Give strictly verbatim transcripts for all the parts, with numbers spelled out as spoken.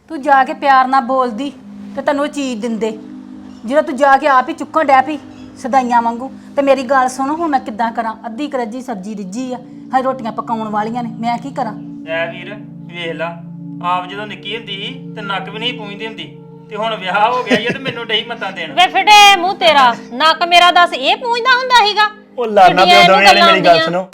ਤੂੰ ਜਾ ਕੇ ਪਿਆਰ ਨਾਲ ਬੋਲਦੀ ਤੇ ਤੈਨੂੰ ਚੀਜ਼ ਦਿੰਦੇ। ਜਦੋਂ ਤੂੰ ਜਾ ਕੇ ਆਪ ਹੀ ਚੁੱਕਣ ਡੈ ਪਈ ਸਦਾਈਆਂ ਵਾਂਗੂ। ਤੇ ਮੇਰੀ ਗੱਲ ਸੁਣ, ਹੁਣ ਮੈਂ ਕਿੱਦਾਂ ਕਰਾਂ? ਅੱਧੀ ਕਰੱਜੀ ਸਬਜ਼ੀ ਰਿੱਝੀ ਆ, ਹਾਂ ਰੋਟੀਆਂ ਪਕਾਉਣ ਵਾਲੀਆਂ ਨੇ, ਮੈਂ ਕੀ ਕਰਾਂ? ਐ ਵੀਰ ਵੇਖ ਲਾ, ਆਪ ਜਦੋਂ ਨਿੱਕੀ ਹੁੰਦੀ ਸੀ ਤੇ ਨੱਕ ਵੀ ਨਹੀਂ ਪੂੰਝਦੀ ਹੁੰਦੀ, ਤੇ ਹੁਣ ਵਿਆਹ ਹੋ ਗਿਆ ਈ ਤੇ ਮੈਨੂੰ ਡਈ ਮੱਤਾਂ ਦੇਣ। ਵੇ ਫਿਟੇ ਮੂੰਹ ਤੇਰਾ, ਨੱਕ ਮੇਰਾ ਦੱਸ ਇਹ ਪੂੰਝਦਾ ਹੁੰਦਾ ਸੀਗਾ? ਉਹ ਲਾਣਾ ਪਿਓ ਦੋਵੇਂ ਵਾਲੇ ਮੇਰੀ ਗੱਲ ਸੁਣੋ।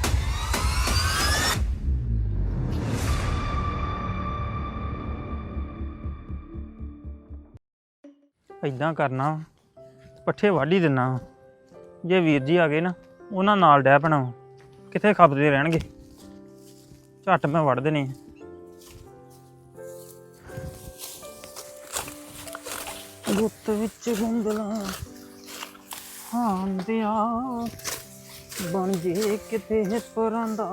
ਇਦਾਂ ਕਰਨਾ, ਪੱਠੇ ਵੱਢ ਹੀ ਦਿੰਨਾ। ਜੇ ਵੀਰ ਜੀ ਆ ਗਏ ਨਾ, ਉਹਨਾਂ ਨਾਲ ਡਹਿ ਪੈਣਾ, ਕਿੱਥੇ ਖਪਦੇ ਰਹਿਣਗੇ। ਝੱਟ ਮੈਂ ਵੱਢ ਦੇਣੇ। ਗੁੱਤ ਵਿੱਚ ਗੁੰਦਲਾ ਹਾਂਦਿਆ ਬਣ ਜੇ ਕਿਤੇ ਪਰਾਂਦਾ।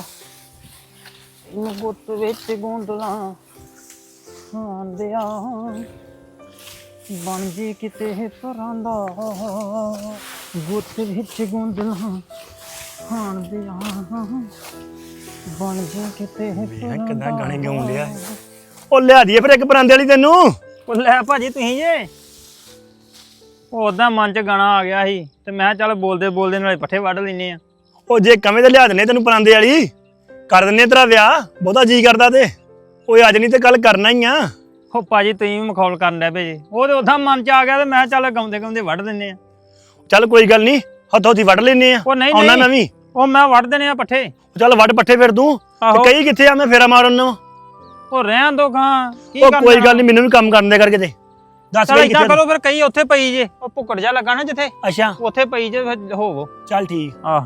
ਇਹਨੂੰ ਗੁੱਤ ਵਿੱਚ ਗੁੰਦਲਾ ਹਾਂਦਿਆ ਬਣ ਜੇ ਕਿਤੇ ਪਰਾਂਦਾ। ਗੁੱਤ ਵਿੱਚ ਗੁੰਦਲਾ ਹਾਂਦਿਆ ਬਣ ਜੇ ਕਿਤੇ ਪਰਾਂਦਾ। ਕਿੱਦਾਂ ਗਾਣੇ ਗਾਉਣ ਲਿਆ। ਉਹ ਲਿਆ ਦੀਏ ਫਿਰ ਇੱਕ ਪਰਾਂਦੇ ਵਾਲੀ ਤੈਨੂੰ। ਉਹ ਲੈ ਭਾਜੀ ਤੁਸੀਂ ਜੇ ਉਹ ਉਦਾਂ ਮਨ ਚ ਗਾਣਾ ਆ ਗਿਆ ਸੀ ਤੇ ਮੈਂ ਚੱਲ ਬੋਲਦੇ ਬੋਲਦੇ ਨਾਲੇ ਪੱਠੇ ਵੱਢ ਲੈਨੇ ਆ। ਉਹ ਜੇ ਕਵੇਂ ਤੇ ਲਿਆ ਦਿੰਨੇ ਤੈਨੂੰ ਪਰਾਂਦੇ ਵਾਲੀ, ਕਰ ਦਿੰਨੇ ਤੇਰਾ ਵਿਆਹ। ਬਹੁਤਾ ਜੀ ਕਰਦਾ ਤੇ ਓਏ ਅੱਜ ਨਹੀਂ ਤੇ ਕੱਲ ਕਰਨਾ ਹੀ ਆ। ਉਹ ਭਾਜੀ ਤੁਸੀਂ ਵੀ ਮਖੌਲ ਕਰਨ ਡੈ ਪਏ ਜੇ। ਉਹ ਤੇ ਉਦਾਂ ਮਨ ਚ ਆ ਗਿਆ ਤੇ ਮੈਂ ਚੱਲ ਗਾਉਂਦੇ ਗਾਉਂਦੇ ਵੱਢ ਦਿੰਨੇ ਆ। ਚੱਲ ਕੋਈ ਗੱਲ ਨਹੀਂ, ਹੱਥੋਂ ਹੱਥੀ ਵੱਢ ਲੈਨੇ ਆ। ਉਹ ਨਹੀਂ ਆਉਣਾ ਨਹੀਂ ਮੈਂ ਵੀ। ਉਹ ਮੈਂ ਵੱਢ ਦੇਣੇ ਆ ਪੱਠੇ। ਚੱਲ ਵੱਢ ਪੱਠੇ ਫਿਰ ਤੂੰ। ਆਹੋ। ਤੇ ਕਈ ਕਿੱਥੇ ਆ, ਮੈਂ ਫੇਰਾ ਮਾਰਨ ਨੂੰ। ਉਹ ਰਹਿਣ ਦੋ ਖਾਂ ਕੀ ਉਹ ਕਰਨਾ। ਕੋਈ ਗੱਲ ਨਹੀਂ, ਮੈਨੂੰ ਵੀ ਕੰਮ ਕਰਨ ਦੇ ਕਰਕੇ ਤੇ ਦੱਸ ਚੱਲ ਕਈ ਇਦਾਂ ਕਿੱਥੇ। ਕਰੋ ਫਿਰ, ਕਈ ਉੱਥੇ ਪਈ ਜੇ, ਉਹ ਭੁੱਕੜ ਜਾ ਲੱਗਾ ਨਾ ਜਿੱਥੇ, ਅੱਛਾ ਉੱਥੇ ਪਈ ਜੇ, ਫਿਰ ਹੋਵੋ। ਚੱਲ ਠੀਕ। ਆਹ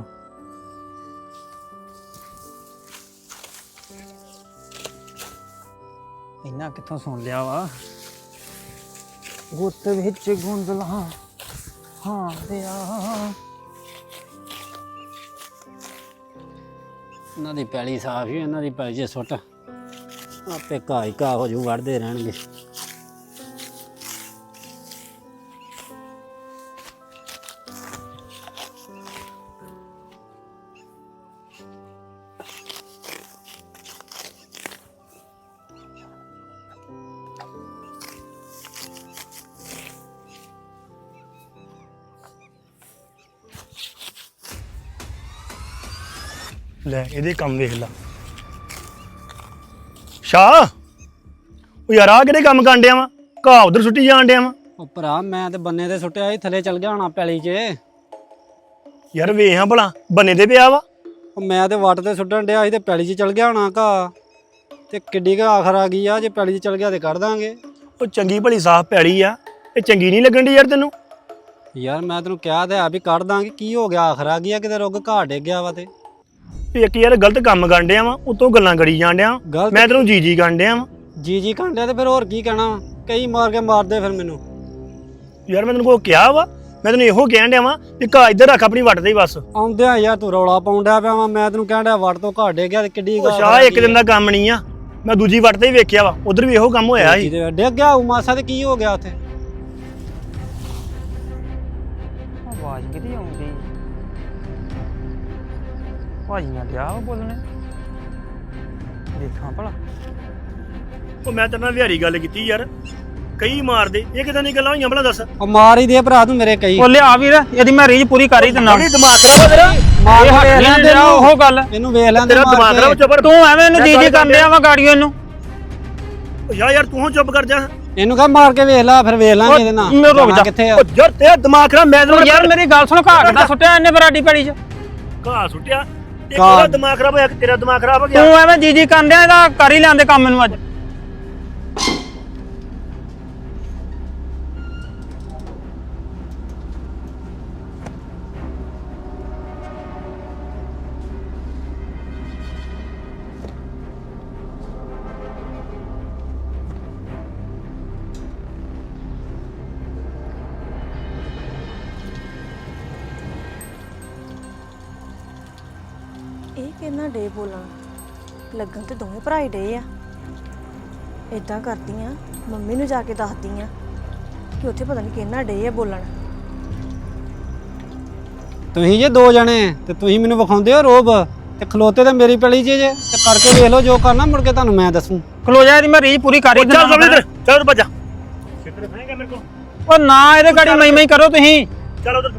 ਇੰਨਾ ਕਿੱਥੋਂ ਸੁਣ ਲਿਆ ਵਾ। ਗੁੱਤ ਵਿੱਚ ਗੁੰਦਲਾ ਹਾਂ ਦਿਆ। ਇਹਨਾਂ ਦੀ ਪੈਲੀ ਸਾਫ ਹੀ, ਇਹਨਾਂ ਦੀ ਪੈਲੀ 'ਚ ਸੁੱਟ, ਆਪੇ ਘਾਹ ਹੀ ਘਾਹ ਹੋ ਜੂ, ਵੜਦੇ ਰਹਿਣਗੇ। ਲੈ ਇਹਦੇ ਕੰਮ ਵੇਖ ਲਾ। ਸ਼ਾਹ ਉਹ ਯਾਰ ਆ ਕਿਹੜੇ ਕੰਮ ਕਰਨ ਡਿਆ ਵਾ? ਘਾਹ ਉਧਰ ਸੁੱਟੀ ਜਾਣ ਡਿਆ ਵਾ। ਉਹ ਭਰਾ ਮੈਂ ਤੇ ਬੰਨੇ ਤੇ ਸੁੱਟਿਆ ਸੀ, ਥੱਲੇ ਚਲ ਗਿਆ ਹੋਣਾ ਪੈਲੀ 'ਚ। ਯਾਰ ਵੇਖ ਹਾਂ ਭਲਾ, ਬੰਨੇ ਤੇ ਪਿਆ ਵਾ। ਉਹ ਮੈਂ ਤੇ ਵੱਟ ਤੇ ਸੁੱਟਣ ਡਿਆ ਸੀ ਤੇ ਪੈਲੀ 'ਚ ਚਲ ਗਿਆ ਹੋਣਾ ਘਾਹ। ਤੇ ਕਿੱਡੀ ਕੁ ਆਖਰ ਆ ਗਈ ਆ, ਜੇ ਪੈਲੀ 'ਚ ਚਲ ਗਿਆ ਤੇ ਕੱਢ ਦਾਂਗੇ। ਉਹ ਚੰਗੀ ਭਲੀ ਸਾਫ਼ ਪੈਲੀ ਆ, ਇਹ ਚੰਗੀ ਨਹੀਂ ਲੱਗਣ ਦੀ ਯਾਰ ਤੈਨੂੰ? ਯਾਰ ਮੈਂ ਤੈਨੂੰ ਕਿਹਾ ਤੇ ਆ ਵੀ ਕੱਢ ਦਾਂਗੇ, ਕੀ ਹੋ ਗਿਆ ਆਖਰ ਆ ਗਈ ਆ, ਕਿਤੇ ਰੁੱਗ ਘਾਹ ਡਿੱਗ ਗਿਆ ਵਾ। ਤੇ ਵੀ ਇੱਕ ਯਾਰ ਗਲਤ ਕੰਮ ਕਰਨ ਡਿਆ ਵਾ, ਉਤੋਂ ਗੱਲਾਂ ਕਰੀ ਜਾਣ ਡਿਆ। ਗਲਤ ਮੈਂ ਤੈਨੂੰ ਜੀ ਜੀ ਕਰਨ ਡਿਆ ਵਾ। ਜੀ ਜੀ ਕਾਂਡਿਆ ਤੇ ਫਿਰ ਹੋਰ ਕੀ ਕਹਿਣਾ ਵਾ? ਕਈ ਮਾਰ ਕੇ ਮਾਰਦੇ ਫਿਰ ਮੈਨੂੰ। ਯਾਰ ਮੈਂ ਤੈਨੂੰ ਕੋ ਕਿਹਾ ਵਾ, ਮੈਂ ਤੈਨੂੰ ਇਹੋ ਕਹਿਣ ਡਿਆ ਵਾ ਵੀ ਘਾਹ ਇੱਧਰ ਰੱਖ ਆਪਣੀ ਵੱਟ ਤੇ ਬਸ। ਆਉਂਦਿਆਂ ਯਾਰ ਤੂੰ ਰੌਲਾ ਪਾਉਣ ਡਿਆ ਪਿਆ ਵਾ। ਮੈਂ ਤੈਨੂੰ ਕਹਿਣ ਡਿਆ ਵੱਟ ਤੋਂ ਘਾਹ ਡਿੱਗ ਗਿਆ ਤੇ ਕਿੱਡੀ ਉਹ ਸ਼ਾਹ ਇੱਕ ਦਿਨ ਦਾ ਕੰਮ ਨਹੀਂ ਆ, ਮੈਂ ਦੂਜੀ ਵੱਟ ਤੇ ਹੀ ਵੇਖਿਆ ਵਾ, ਉਧਰ ਵੀ ਇਹੋ ਕੰਮ ਹੋਇਆ ਸੀ। ਡਿੱਗ ਗਿਆ ਉਹ ਮਾਸਾ ਤੇ ਕੀ ਹੋ ਗਿਆ ਉੱਥੇ? ਆਵਾਜ਼ ਕਿਹਦੀ ਆਉਂਦੀ? ਭਾਜੀ ਨਾਲ ਡਿਆ ਵਾ ਬੋਲਣੇ, ਦੇਖਾਂ ਭਲਾ। ਉਹ ਮੈਂ ਤੇਰੇ ਨਾਲ ਵਿਹਾਰੀ ਗੱਲ ਕੀਤੀ ਯਾਰ, ਕਈ ਮਾਰਦੇ। ਇਹ ਕਿਦਾਂ ਦੀਆਂ ਗੱਲਾਂ ਹੋਈਆਂ ਭਲਾ ਦੱਸ? ਉਹ ਮਾਰ ਹੀ ਦੇ ਭਰਾ ਤੂੰ ਮੇਰੇ ਕਈ। ਉਹ ਲਿਆ ਵੀਰ, ਇਹਦੀ ਮੈਂ ਰੀਝ ਪੂਰੀ ਕਰ ਹੀ ਦਿੰਦਾ। ਬੜੀ ਦਿਮਾਗ ਖਰਾਬ ਤੇਰਾ। ਮਾਰ ਇਹ ਵੇਖ ਹੱਥ ਲੈਂਦੇ ਨਹੀਂ ਨੂੰ। ਉਹ ਗੱਲ ਇਹਨੂੰ ਵੇਖ ਲੈਂਦੇ ਤੇਰਾ ਮਾਰ ਦਿਮਾਗ ਕੇ। ਖਰਾਬ ਚੁੱਪ। ਤੂੰ ਐਵੇਂ ਇਹਨੂੰ ਜੀ ਜੀ ਕਰਨ ਡਿਆ ਵਾ ਗਾੜੀਓ ਇਹਨੂੰ। ਯਾਰ ਯਾਰ ਤੂੰ ਚੁੱਪ ਕਰ ਜਾ। ਇਹਨੂੰ ਕਹ ਮਾਰ ਕੇ ਵੇਖ ਲੈ, ਫਿਰ ਵੇਖ ਲਾਂਗੇ ਇਹਦੇ ਨਾਲ। ਮੈਂ ਰੁਕ ਜਾ। ਕਿੱਥੇ ਆ? ਉਹ ਯਾਰ ਤੇਰਾ ਦਿਮਾਗ ਖਰਾਬ। ਮੈਂ ਤੈਨੂੰ ਯਾਰ ਮੇਰੀ ਗੱਲ ਸੁਣ, ਘਾਹ ਕਿੱਦਾਂ ਸੁੱਟਿਆ ਇਹਨੇ ਬਰਾਡੀ ਪੈਲੀ 'ਚ? ਘਾਹ ਸੁੱਟਿਆ ਤੇ ਤੇਰਾ ਦਿਮਾਗ ਖਰਾਬ ਹੋਇਆ ਕਿ ਤੇਰਾ ਦਿਮਾਗ ਖਰਾਬ ਹੋ ਗਿਆ? ਤੂੰ ਐਵੇਂ ਜੀ ਜੀ ਕਰਨ ਡਿਆ, ਇਹਦਾ ਕਰ ਹੀ ਲੈਂਦੇ ਕੰਮ ਮੈਨੂੰ ਅੱਜ। ਇਹ ਕਿੰਨਾ ਡੇ ਬੋਲਣ ਲੱਗਣ ਤੇ ਦੋਵੇਂ ਭਰਾ ਹੀ ਡੇ ਆ। ਇਦਾਂ ਕਰਦੀ ਆ, ਮੰਮੀ ਨੂੰ ਜਾ ਕੇ ਦੱਸਦੀ ਆ ਕਿ ਉੱਥੇ ਪਤਾ ਨਹੀਂ ਕਿੰਨਾ ਡੇ ਆ ਬੋਲਣ। ਤੁਸੀਂ ਜੇ ਦੋ ਜਣੇ ਤੇ ਤੁਸੀਂ ਮੈਨੂੰ ਵਿਖਾਉਂਦੇ ਹੋ ਰੋਬ, ਤੇ ਖਲੋਤੇ ਤੇ ਮੇਰੀ ਪੈਲੀ 'ਚ ਜੇ। ਤੇ ਕਰਕੇ ਵੇਖ ਲਓ ਜੋ ਕਰਨਾ, ਮੁੜ ਕੇ ਤੁਹਾਨੂੰ ਮੈਂ ਦੱਸੂ। ਖਲੋ ਜਾ, ਇਹਦੀ ਮੈਂ ਰੀਝ ਪੂਰੀ ਕਰ ਹੀ ਚੱਲ ਦਿੰਦਾ ਲਵਲੀ ਇੱਧਰ ਚੱਲ ਉਧਰ ਭੱਜਾ ਕਿੱਧਰ ਫੈਂਗਾ ਮੇਰੇ ਕੋ ਉਹ ਨਾ ਇਹਦੇ ਗਾੜੀ ਮਈ ਮਈ ਕਰੋ ਤੁਸੀਂ। ਚੱਲ ਉਧਰ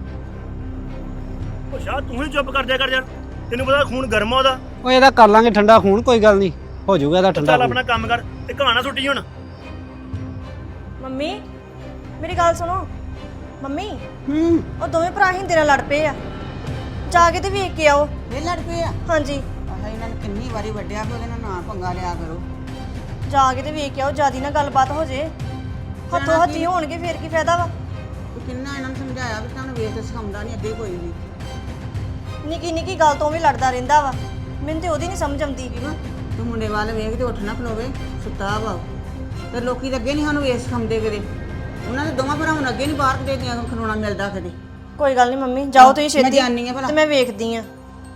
ਉਹ ਸ਼ਾਹ ਤੂੰ ਹੀ ਚੁੱਪ ਕਰ ਜਾ ਕਰ ਯਾਰ ਤੈਨੂੰ ਪਤਾ ਖੂਨ ਗਰਮ ਆ ਉਹਦਾ ਉਹ ਇਹਦਾ ਕਰ ਲਾਂਗੇ ਠੰਡਾ ਖੂਨ, ਕੋਈ ਗੱਲ ਨਹੀਂ, ਹੋ ਜਾਊਗਾ ਇਹਦਾ ਠੰਡਾ ਚੱਲ ਖੂਨ। ਆਪਣਾ ਕੰਮ ਕਰ ਤੇ ਕਹਾਣਾ ਸੁੱਟੀ ਹੁਣ ਮੰਮੀ ਮੇਰੀ ਗੱਲ ਸੁਣੋ। ਮੰਮੀ ਹੂੰ ਉਹ ਦੋਵੇਂ ਭਰਾ ਹਿੰਦੇ ਨਾਲ ਲੜ ਪਏ ਆ, ਜਾ ਕੇ ਤੇ ਵੇਖ ਕੇ ਆਓ। ਇਹ ਲੜ ਪਏ ਆ ਹਾਂਜੀ ਆਹ ਇਹਨਾਂ ਨੇ ਕਿੰਨੀ ਵਾਰੀ ਵੱਡਿਆ ਕਿ ਉਹਦੇ ਨਾਲ ਨਾ ਪੰਗਾ ਲਿਆ ਕਰੋ। ਜਾ ਕੇ ਤੇ ਵੇਖ ਕੇ ਆਓ, ਜਿਆਦੀ ਨਾ ਗੱਲਬਾਤ ਹੋ ਜੇ, ਹੱਥੋਂ ਹੱਥੀ ਹੋਣਗੇ ਫੇਰ ਕੀ ਫਾਇਦਾ ਵਾ। ਤੂੰ ਕਿੰਨਾ ਇਹਨਾਂ ਨੂੰ ਸਮਝਾਇਆ ਵੀ ਤੁਹਾਨੂੰ ਵੇਖ ਕੇ ਸਿਖਾਉਂਦਾ ਨਹੀਂ ਅੱਗੇ ਕੋਈ ਵੀ। ਨਿੱਕੀ ਨਿੱਕੀ ਗੱਲ ਤੋਂ ਵੀ ਲੜਦਾ ਰਹਿੰਦਾ ਵਾ, ਮੈਨੂੰ ਤੇ ਉਹਦੀ ਨਹੀਂ ਸਮਝ ਆਉਂਦੀ। ਠੀਕ ਆ ਤੂੰ ਮੁੰਡੇ ਵੱਲ ਵੇਖ ਤੇ ਉੱਠ ਨਾ ਖਲੋਵੇ, ਸੁੱਤਾ ਵਾ ਤੇ ਲੋਕੀ ਤਾਂ ਅੱਗੇ ਨਹੀਂ ਸਾਨੂੰ ਵੇਖ ਸਿਖਾਉਂਦੇ ਕਦੇ, ਉਹਨਾਂ ਦੇ ਦੋਵਾਂ ਭਰਾਵਾਂ ਨੂੰ ਅੱਗੇ ਨਹੀਂ ਬਾਹਰ ਦੇ ਦੀਆਂ ਖਲੋਣਾ ਮਿਲਦਾ ਕਦੇ। ਕੋਈ ਗੱਲ ਨਹੀਂ ਮੰਮੀ, ਜਾਓ ਤੁਸੀਂ ਮੈਂ ਛੇਤੀ ਜਾਣੀ ਆ ਭਲਾ। ਤੇ ਮੈਂ ਵੇਖਦੀ ਆ।